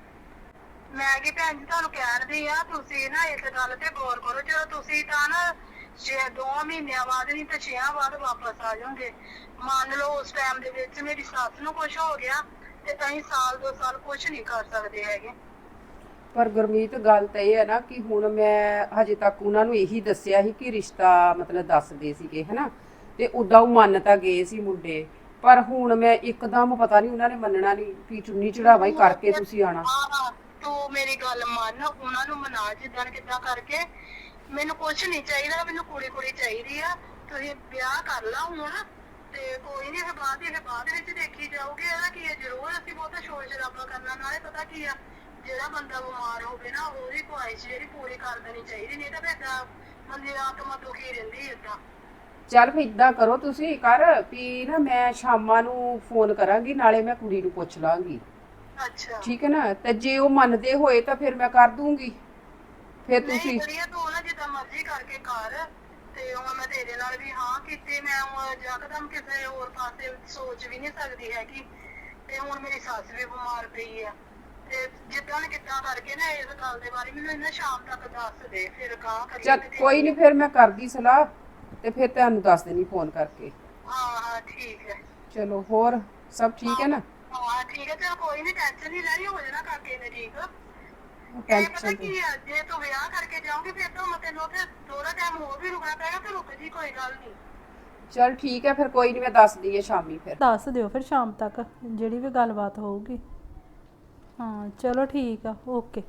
Speaker 7: ਮੈਂ ਕੀ ਭੈਣ ਜੀ ਤੁਹਾਨੂੰ ਕਹਿਣਦੀ ਆ, ਤੁਸੀਂ ਨਾ ਇਸ ਗੱਲ ਤੇ ਗੌਰ ਕਰੋ, ਜਦੋਂ ਤੁਸੀਂ ਤਾਂ ਨਾ ਛੇ ਦੋ ਮਹੀਨਿਆਂ ਬਾਅਦ ਨਹੀਂ ਤੇ ਛੇਆਂ ਬਾਅਦ ਵਾਪਸ ਆ ਜਾਓਗੇ। ਮੰਨ ਲਓ ਉਸ ਟਾਈਮ ਦੇ ਵਿੱਚ ਮੇਰੀ ਸੱਸ ਨੂੰ ਕੁਝ ਹੋ ਗਿਆ ਤੇ ਅਸੀਂ ਸਾਲ ਦੋ ਸਾਲ ਕੁਝ ਨਹੀਂ ਕਰ ਸਕਦੇ ਹੈਗੇ।
Speaker 6: ਪਰ ਗੁਰਮੀਤ ਗੱਲ ਤਾਂ ਇਹ ਹੈ ਨਾ ਕਿ ਹੁਣ ਮੈਂ ਹਜੇ ਤੱਕ ਉਹਨਾਂ ਨੂੰ ਇਹੀ ਦੱਸਿਆ ਸੀ ਕਿ ਰਿਸ਼ਤਾ ਮਤਲਬ ਦੱਸਦੇ ਸੀਗੇ ਹਨਾ, ਤੇ ਉਦਾਂ ਉਹ ਮੰਨ ਤਾਂ ਗਏ ਸੀ ਮੁੰਡੇ, ਪਰ ਹੁਣ ਮੈਂ ਇੱਕਦਮ ਪਤਾ ਨਹੀਂ ਉਹਨਾਂ ਨੇ ਮੰਨਣਾ ਨਹੀਂ ਵੀ ਚੁੰਨੀ ਚੜਾਵਾ ਹੀ ਕਰਕੇ ਤੁਸੀਂ ਆਣਾ।
Speaker 7: ਹਾਂ ਤੂੰ ਮੇਰੀ ਗੱਲ ਮੰਨ, ਉਹਨਾਂ ਨੂੰ ਮਨਾ ਜਿੱਦਾਂ ਕਿੱਦਾਂ ਕਰਕੇ, ਮੈਨੂੰ ਕੁਝ ਨਹੀਂ ਚਾਹੀਦਾ, ਮੈਨੂੰ ਕੁੜੀ ਕੁੜੀ ਚਾਹੀਦੀ ਆ। ਤੁਸੀਂ ਵਿਆਹ ਕਰ ਲਾ ਹੁਣ, ਤੇ ਕੋਈ ਨਹੀਂ ਬਾਅਦ ਇਹ ਬਾਅਦ ਵਿੱਚ ਦੇਖੀ ਜਾਊਗੀ। ਇਹਦਾ ਕੀ ਹੈ, ਜ਼ਰੂਰ ਅਸੀਂ ਬਹੁਤਾ ਸ਼ੋਰ ਸ਼ਰਾਬਾ ਕਰਨਾ, ਨਾਲੇ ਪਤਾ ਕੀ ਆ ਜਿਹੜਾ ਬੰਦਾ ਬਿਮਾਰ ਹੋਵੇ ਨਾ ਉਹਦੀ ਖੁਆਇਸ਼ ਜਿਹੜੀ ਪੂਰੀ ਕਰ ਦੇਣੀ ਚਾਹੀਦੀ, ਨਹੀਂ ਤਾਂ ਫਿਰ ਬੰਦੇ ਦੀ ਆਤਮਾ ਦੁਖੀ ਰਹਿੰਦੀ ਏਦਾਂ।
Speaker 6: ਚੱਲ ਫਿਰ ਇਦਾਂ ਕਰੋ ਤੁਸੀਂ ਕਰ ਵੀ ਨਾ, ਮੈਂ ਸ਼ਾਮਾਂ ਨੂੰ ਫੋਨ ਕਰਾਂਗੀ, ਨਾਲੇ ਮੈਂ ਕੁੜੀ ਨੂੰ ਪੁੱਛ ਲਾਂਗੀ।
Speaker 7: ਅੱਛਾ
Speaker 6: ਠੀਕ ਹੈ ਨਾ, ਤੇ ਜੇ ਉਹ ਮੰਨਦੇ ਹੋਏ ਤਾਂ ਫਿਰ ਮੈਂ ਕਰ ਦੂੰਗੀ। ਫਿਰ ਤੁਸੀਂ
Speaker 7: ਨਹੀਂ ਕਰੀਏ ਤੂੰ ਨਾ ਜਿੱਦਾਂ ਮਰਜ਼ੀ ਕਰਕੇ ਕਰ, ਤੇ ਹੁਣ ਮੈਂ ਤੇਰੇ ਨਾਲ ਵੀ ਹਾਂ ਕੀਤੀ, ਮੈਂ ਹੁਣ ਯਕਦਮ ਕਿਸੇ ਹੋਰ ਪਾਸੇ ਸੋਚ ਵੀ ਨਹੀਂ ਸਕਦੀ ਹੈਗੀ ਤੇ ਹੁਣ ਮੇਰੀ ਸੱਸ ਵੀ ਬਿਮਾਰ ਪਈ ਆ ਤੇ ਜਿੱਦਾਂ ਨੇ ਕਿੱਦਾਂ ਕਰਕੇ ਨਾ ਇਸ ਗੱਲ ਦੇ ਬਾਰੇ ਮੈਨੂੰ ਇਹਨਾਂ ਸ਼ਾਮ ਤੱਕ ਦੱਸ ਦੇ ਫਿਰ ਕਹਾਂ ਕਰੀਏ
Speaker 6: ਚੱਲ
Speaker 7: ਤੇ
Speaker 6: ਕੋਈ ਨਹੀਂ, ਫਿਰ ਮੈਂ ਕਰਦੀ ਸਲਾਹ ਤੇ ਫਿਰ ਤੁਹਾਨੂੰ ਦੱਸ ਦੇਣੀ ਫੋਨ ਕਰਕੇ।
Speaker 7: ਹਾਂ ਹਾਂ ਠੀਕ ਹੈ।
Speaker 6: ਚਲੋ ਹੋਰ ਸਭ ਠੀਕ ਹੈ ਨਾ?
Speaker 7: ਹਾਂ ਠੀਕ ਹੈ, ਚਲ ਕੋਈ ਨਹੀਂ, ਟੈਨਸ਼ਨ ਨਹੀਂ ਲੈਣੀ, ਹੋ ਜਾਣਾ ਕਾਕੇ ਨੇ ਠੀਕ। ਇਹ ਪਤਾ
Speaker 6: ਟੈਨਸ਼ਨ
Speaker 7: ਕੀ ਆ, ਜੇ ਤੂੰ ਵਿਆਹ ਕਰਕੇ ਜਾਓਗੇ ਫਿਰ ਤਾਂ ਮੈਂ ਤੈਨੂੰ ਉੱਥੇ ਥੋੜਾ ਟਾਈਮ ਹੋਰ ਵੀ ਰੁਕਣਾ ਪਏਗਾ, ਤੇ ਰੁਕ ਜੀ, ਕੋਈ ਗੱਲ ਨਹੀਂ।
Speaker 6: ਚਲ ਠੀਕ ਹੈ, ਫਿਰ ਕੋਈ ਨਹੀਂ, ਮੈਂ ਦੱਸਦੀ ਹੈ ਸ਼ਾਮੀ ਫਿਰ।
Speaker 2: ਦੱਸ ਦਿਓ ਫਿਰ ਸ਼ਾਮ ਤੱਕ ਜਿਹੜੀ ਵੀ ਗੱਲਬਾਤ ਹੋਊਗੀ। ਹਾਂ ਚਲੋ ਠੀਕ ਆ, ਓਕੇ।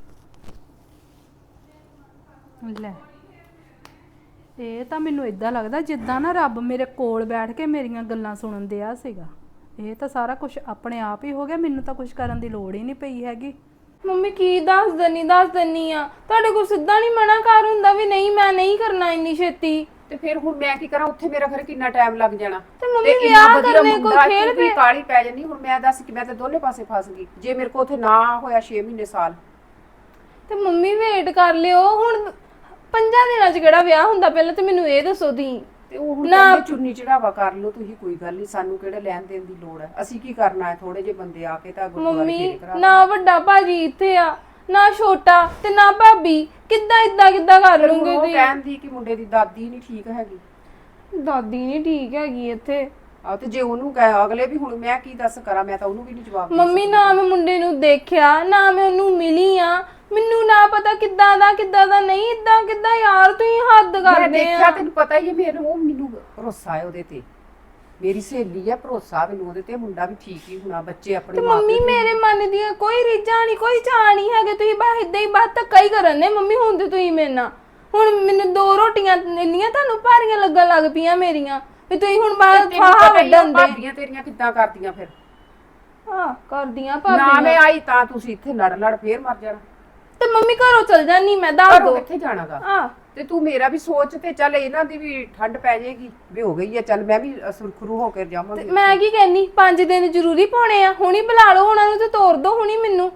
Speaker 2: ਲੈ ਇਹ ਤਾਂ ਮੈਨੂੰ ਇਦਾਂ ਲੱਗਦਾ ਜਿੱਦਾਂ ਨਾ ਰੱਬ ਮੇਰੇ ਕੋਲ ਬੈਠ ਕੇ ਮੇਰੀਆਂ ਗੱਲਾਂ ਸੁਣਨ ਦਿਆ ਸੀਗਾ। ਇਹ ਤਾਂ ਸਾਰਾ ਕੁਝ ਆਪਣੇ ਆਪ ਹੀ ਹੋ ਗਿਆ, ਮੈਨੂੰ ਤਾਂ ਕੁਝ ਕਰਨ ਦੀ ਲੋੜ ਹੀ ਨਹੀਂ ਪਈ ਹੈਗੀ।
Speaker 3: ਮੰਮੀ ਕੀ ਦੱਸ ਦਨੀ ਦੱਸ ਦਨੀ ਆ, ਤੁਹਾਡੇ ਕੋਲ ਸਿੱਧਾ ਨਹੀਂ ਮਨਾ ਕਰ ਹੁੰਦਾ ਵੀ ਨਹੀਂ ਮੈਂ ਨਹੀਂ ਕਰਨਾ ਇੰਨੀ ਛੇਤੀ।
Speaker 6: ਤੇ ਫਿਰ ਹੁਣ ਮੈਂ ਕੀ ਕਰਾਂ, ਉੱਥੇ ਮੇਰਾ ਫਿਰ ਕਿੰਨਾ ਟਾਈਮ ਲੱਗ ਜਾਣਾ।
Speaker 3: ਤੇ ਮੰਮੀ
Speaker 6: ਇੰਨਾ
Speaker 3: ਵਿਆਹ
Speaker 6: ਵਧੀਆ
Speaker 3: ਕਰਨੇ ਕੋਈ
Speaker 6: ਮੁੰਡਾ,
Speaker 3: ਖੇਡ
Speaker 6: ਤੂੰ ਵੀ
Speaker 3: ਪੇ
Speaker 6: ਕਾਹਲੀ ਪੈ ਜਾਂਦੀ। ਹੁਣ ਮੈਂ ਦੱਸ ਕਿ ਮੈਂ ਤਾਂ ਦੋਨੇ ਪਾਸੇ ਫਸ ਗਈ, ਜੇ ਮੇਰੇ ਕੋਲ ਉੱਥੇ ਨਾ ਹੋਇਆ ਛੇ ਮਹੀਨੇ ਸਾਲ।
Speaker 3: ਤੇ ਮੰਮੀ ਵੇਟ ਕਰ ਲਿਓ, ਹੁਣ ਪੰਜਾਂ ਦਿਨਾਂ 'ਚ ਕਿਹੜਾ ਵਿਆਹ ਹੁੰਦਾ, ਪਹਿਲਾਂ ਤੇ ਮੈਨੂੰ ਇਹ ਦੱਸੋ ਤੁਸੀਂ।
Speaker 6: ਤੇ ਉਹ ਹੁਣ
Speaker 3: ਨਾ-
Speaker 6: ਕਹਿੰਦੇ ਚੁੰਨੀ ਚੜਾਵਾ ਕਰ ਲਓ ਤੁਸੀਂ, ਕੋਈ ਗੱਲ ਨਹੀਂ, ਸਾਨੂੰ ਕਿਹੜਾ ਲੈਣ ਦੇਣ ਦੀ ਲੋੜ ਹੈ, ਅਸੀਂ ਕੀ ਕਰਨਾ ਹੈ, ਥੋੜੇ ਜਿਹੇ ਬੰਦੇ ਆ ਕੇ ਤਾਂ ਗੁਰਦੁਆਰੇ
Speaker 3: ਮੰਮੀ
Speaker 6: ਫੇਰੇ ਕਰਾ
Speaker 3: ਨਾ ਵੱਡਾ ਭਾਜੀ ਇੱਥੇ ਆ, ਨਾ ਛੋਟਾ ਤੇ ਨਾ ਭਾਬੀ, ਕਿੱਦਾਂ ਇਦਾਂ ਕਿੱਦਾਂ ਕਰ
Speaker 6: ਫਿਰ ਹੁਣ
Speaker 3: ਲੂੰਗੇ
Speaker 6: ਉਹ
Speaker 3: ਤੁਸੀਂ?
Speaker 6: ਕਹਿੰਦੀ ਕਿ ਮੁੰਡੇ ਦੀ ਦਾਦੀ ਨਹੀਂ ਠੀਕ ਹੈਗੀ।
Speaker 3: ਦਾਦੀ ਨਹੀਂ ਠੀਕ ਹੈਗੀ ਇੱਥੇ।
Speaker 6: ਆ ਤੇ ਜੇ ਉਹਨੂੰ ਕਹੇ ਅਗਲੇ ਵੀ, ਹੁਣ ਮੈਂ ਕੀ ਦੱਸ ਕਰਾਂ, ਮੈਂ ਤਾਂ ਉਹਨੂੰ ਵੀ ਨਹੀਂ ਜਵਾਬ ਦੇ
Speaker 3: ਮੰਮੀ
Speaker 6: ਸਕਦੀ।
Speaker 3: ਨਾ ਮੈਂ ਮੁੰਡੇ ਨੂੰ ਦੇਖਿਆ, ਨਾ ਮੈਂ ਉਹਨੂੰ ਮਿਲੀ ਆ, ਮੈਨੂੰ ਨਾ ਪਤਾ ਕਿੱਦਾਂ ਦਾ ਕਿੱਦਾਂ ਦਾ ਨਹੀਂ, ਇਦਾਂ ਕਿੱਦਾਂ ਯਾਰ ਤੁਸੀਂ ਹੱਦ
Speaker 6: ਮੈਂ
Speaker 3: ਕਰਦੇ
Speaker 6: ਦੇਖਿਆ,
Speaker 3: ਆ।
Speaker 6: ਤੈਨੂੰ ਪਤਾ ਹੀ ਹੈ, ਮੈਨੂੰ ਉਹ ਮੈਨੂੰ ਭਰੋਸਾ ਹੈ ਉਹਦੇ ਤੇ, ਮੇਰੀ ਸਹੇਲੀ ਹੈ, ਭਰੋਸਾ ਮੈਨੂੰ ਉਹਦੇ ਤੇ, ਮੁੰਡਾ ਵੀ ਠੀਕ ਹੀ ਹੋਣਾ, ਬੱਚੇ ਆਪਣੇ
Speaker 3: ਤੇ
Speaker 6: ਮਾਂ
Speaker 3: ਮੰਮੀ
Speaker 6: ਪਿਓ ਦੇ-
Speaker 3: ਮੇਰੇ ਮਨ ਦੀਆਂ ਕੋਈ ਰੀਝਾਂ ਨਹੀਂ, ਕੋਈ ਚਾਹ ਨਹੀਂ ਹੈਗੇ, ਤੁਸੀਂ ਬਸ ਇਦਾਂ ਹੀ ਬਸ ਧੱਕਾ ਹੀ ਕਰਨ ਨੇ ਮੰਮੀ। ਹੁਣ ਤੇ ਤੁਸੀਂ ਮੇਰੇ ਨਾਲ, ਹੁਣ ਮੈਨੂੰ ਦੋ ਰੋਟੀਆਂ ਇੰਨੀਆਂ ਤੁਹਾਨੂੰ ਭਾਰੀਆਂ ਲੱਗਣ ਲੱਗ ਪਈਆਂ ਮੇਰੀਆਂ, ਵੀ ਤੁਸੀਂ ਹੁਣ ਬਾਹਰ
Speaker 6: ਤੈਨੂੰ
Speaker 3: ਫਾਹਾ
Speaker 6: ਪਤਾ ਹੀ ਆ,
Speaker 3: ਵੱਢਣ ਦੇ।
Speaker 6: ਭਾਬੀਆਂ ਤੇਰੀਆਂ ਕਿੱਦਾਂ ਕਰਦੀਆਂ ਫਿਰ।
Speaker 3: ਹਾਂ ਕਰਦੀਆਂ
Speaker 6: ਨਾ
Speaker 3: ਭਾਬੀ
Speaker 6: ਮੈਂ ਆਈ ਤਾਂ ਤੁਸੀਂ ਇੱਥੇ ਲੜ ਲੜ ਫੇਰ ਮਰ ਜਾਣਾ।
Speaker 3: ਤੇ ਮੰਮੀ ਘਰੋਂ ਚਲ ਜਾਨੀ ਮੈਂ, ਦੱਸ
Speaker 6: ਘਰੋਂ
Speaker 3: ਦੋ।
Speaker 6: ਕਿੱਥੇ ਜਾਣਾਗਾ?
Speaker 3: ਹਾਂ
Speaker 6: ਤੇ ਤੂੰ ਮੇਰਾ ਵੀ ਸੋਚ, ਤੇ ਚੱਲ ਇਹਨਾਂ ਦੀ ਵੀ ਠੰਡ ਪੈ ਜਾਏਗੀ ਵੀ ਹੋ ਗਈ ਹੈ, ਚੱਲ ਮੈਂ ਵੀ ਸੁਰਖਰੂ ਹੋ ਕੇ ਜਾਵਾਂਗੀ।
Speaker 3: ਮੈਂ ਕੀ ਕਹਿਨੀ, ਪੰਜ ਦਿਨ ਜ਼ਰੂਰੀ ਪਾਉਣੇ ਆ, ਹੁਣੀ ਬੁਲਾ ਲਓ ਉਹਨਾਂ ਨੂੰ ਤੇ ਤੋਰ ਦੋ ਹੁਣੀ ਮੈਨੂੰ।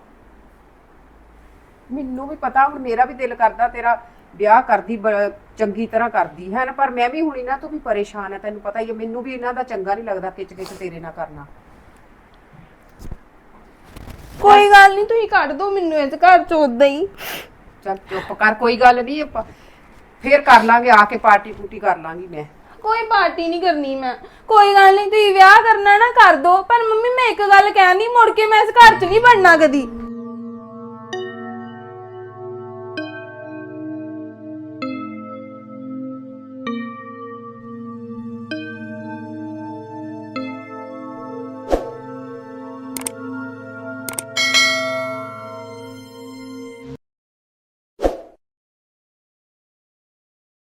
Speaker 6: ਮੈਨੂੰ ਵੀ ਪਤਾ, ਹੁਣ ਮੇਰਾ ਵੀ ਦਿਲ ਕਰਦਾ ਤੇਰਾ ਵਿਆਹ ਕਰਦੀ, ਬ- ਚੰਗੀ ਤਰ੍ਹਾਂ ਕਰਦੀ ਹੈ ਨਾ, ਪਰ ਮੈਂ ਵੀ ਹੁਣ ਇਹਨਾਂ ਤੋਂ ਵੀ ਪਰੇਸ਼ਾਨ ਆ, ਤੈਨੂੰ ਪਤਾ ਹੀ ਹੈ, ਮੈਨੂੰ ਵੀ ਇਹਨਾਂ ਦਾ ਚੰਗਾ ਨਹੀਂ ਲੱਗਦਾ ਕਿਚ ਕਿਚ ਤੇਰੇ ਨਾਲ ਕਰਨਾ।
Speaker 3: ਕੋਈ ਗੱਲ ਨਹੀਂ, ਤੁਸੀਂ ਕੱਢ ਦੋ ਮੈਨੂੰ ਇਸ ਘਰ ਚੋਂ ਉਦਾਂ ਹੀ।
Speaker 6: ਚੱਲ ਚੁੱਪ ਕਰ, ਕੋਈ ਗੱਲ ਨਹੀਂ, ਆਪਾਂ ਫੇਰ ਕਰ ਲਾਂਗੇ, ਆ ਕੇ ਪਾਰਟੀ ਪੂਟੀ ਕਰ ਲਾਂਗੀ ਮੈਂ।
Speaker 3: ਕੋਈ ਪਾਰਟੀ ਨਹੀਂ ਕਰਨੀ ਮੈਂ, ਕੋਈ ਗੱਲ ਨਹੀਂ, ਤੁਸੀਂ ਵਿਆਹ ਕਰਨਾ ਨਾ ਕਰ ਦੋ, ਪਰ ਮੰਮੀ ਮੈਂ ਇੱਕ ਗੱਲ ਕਹਿੰਦੀ, ਮੁੜ ਕੇ ਮੈਂ ਇਸ ਘਰ 'ਚ ਨਹੀਂ ਬਣਨਾ ਕਦੀ।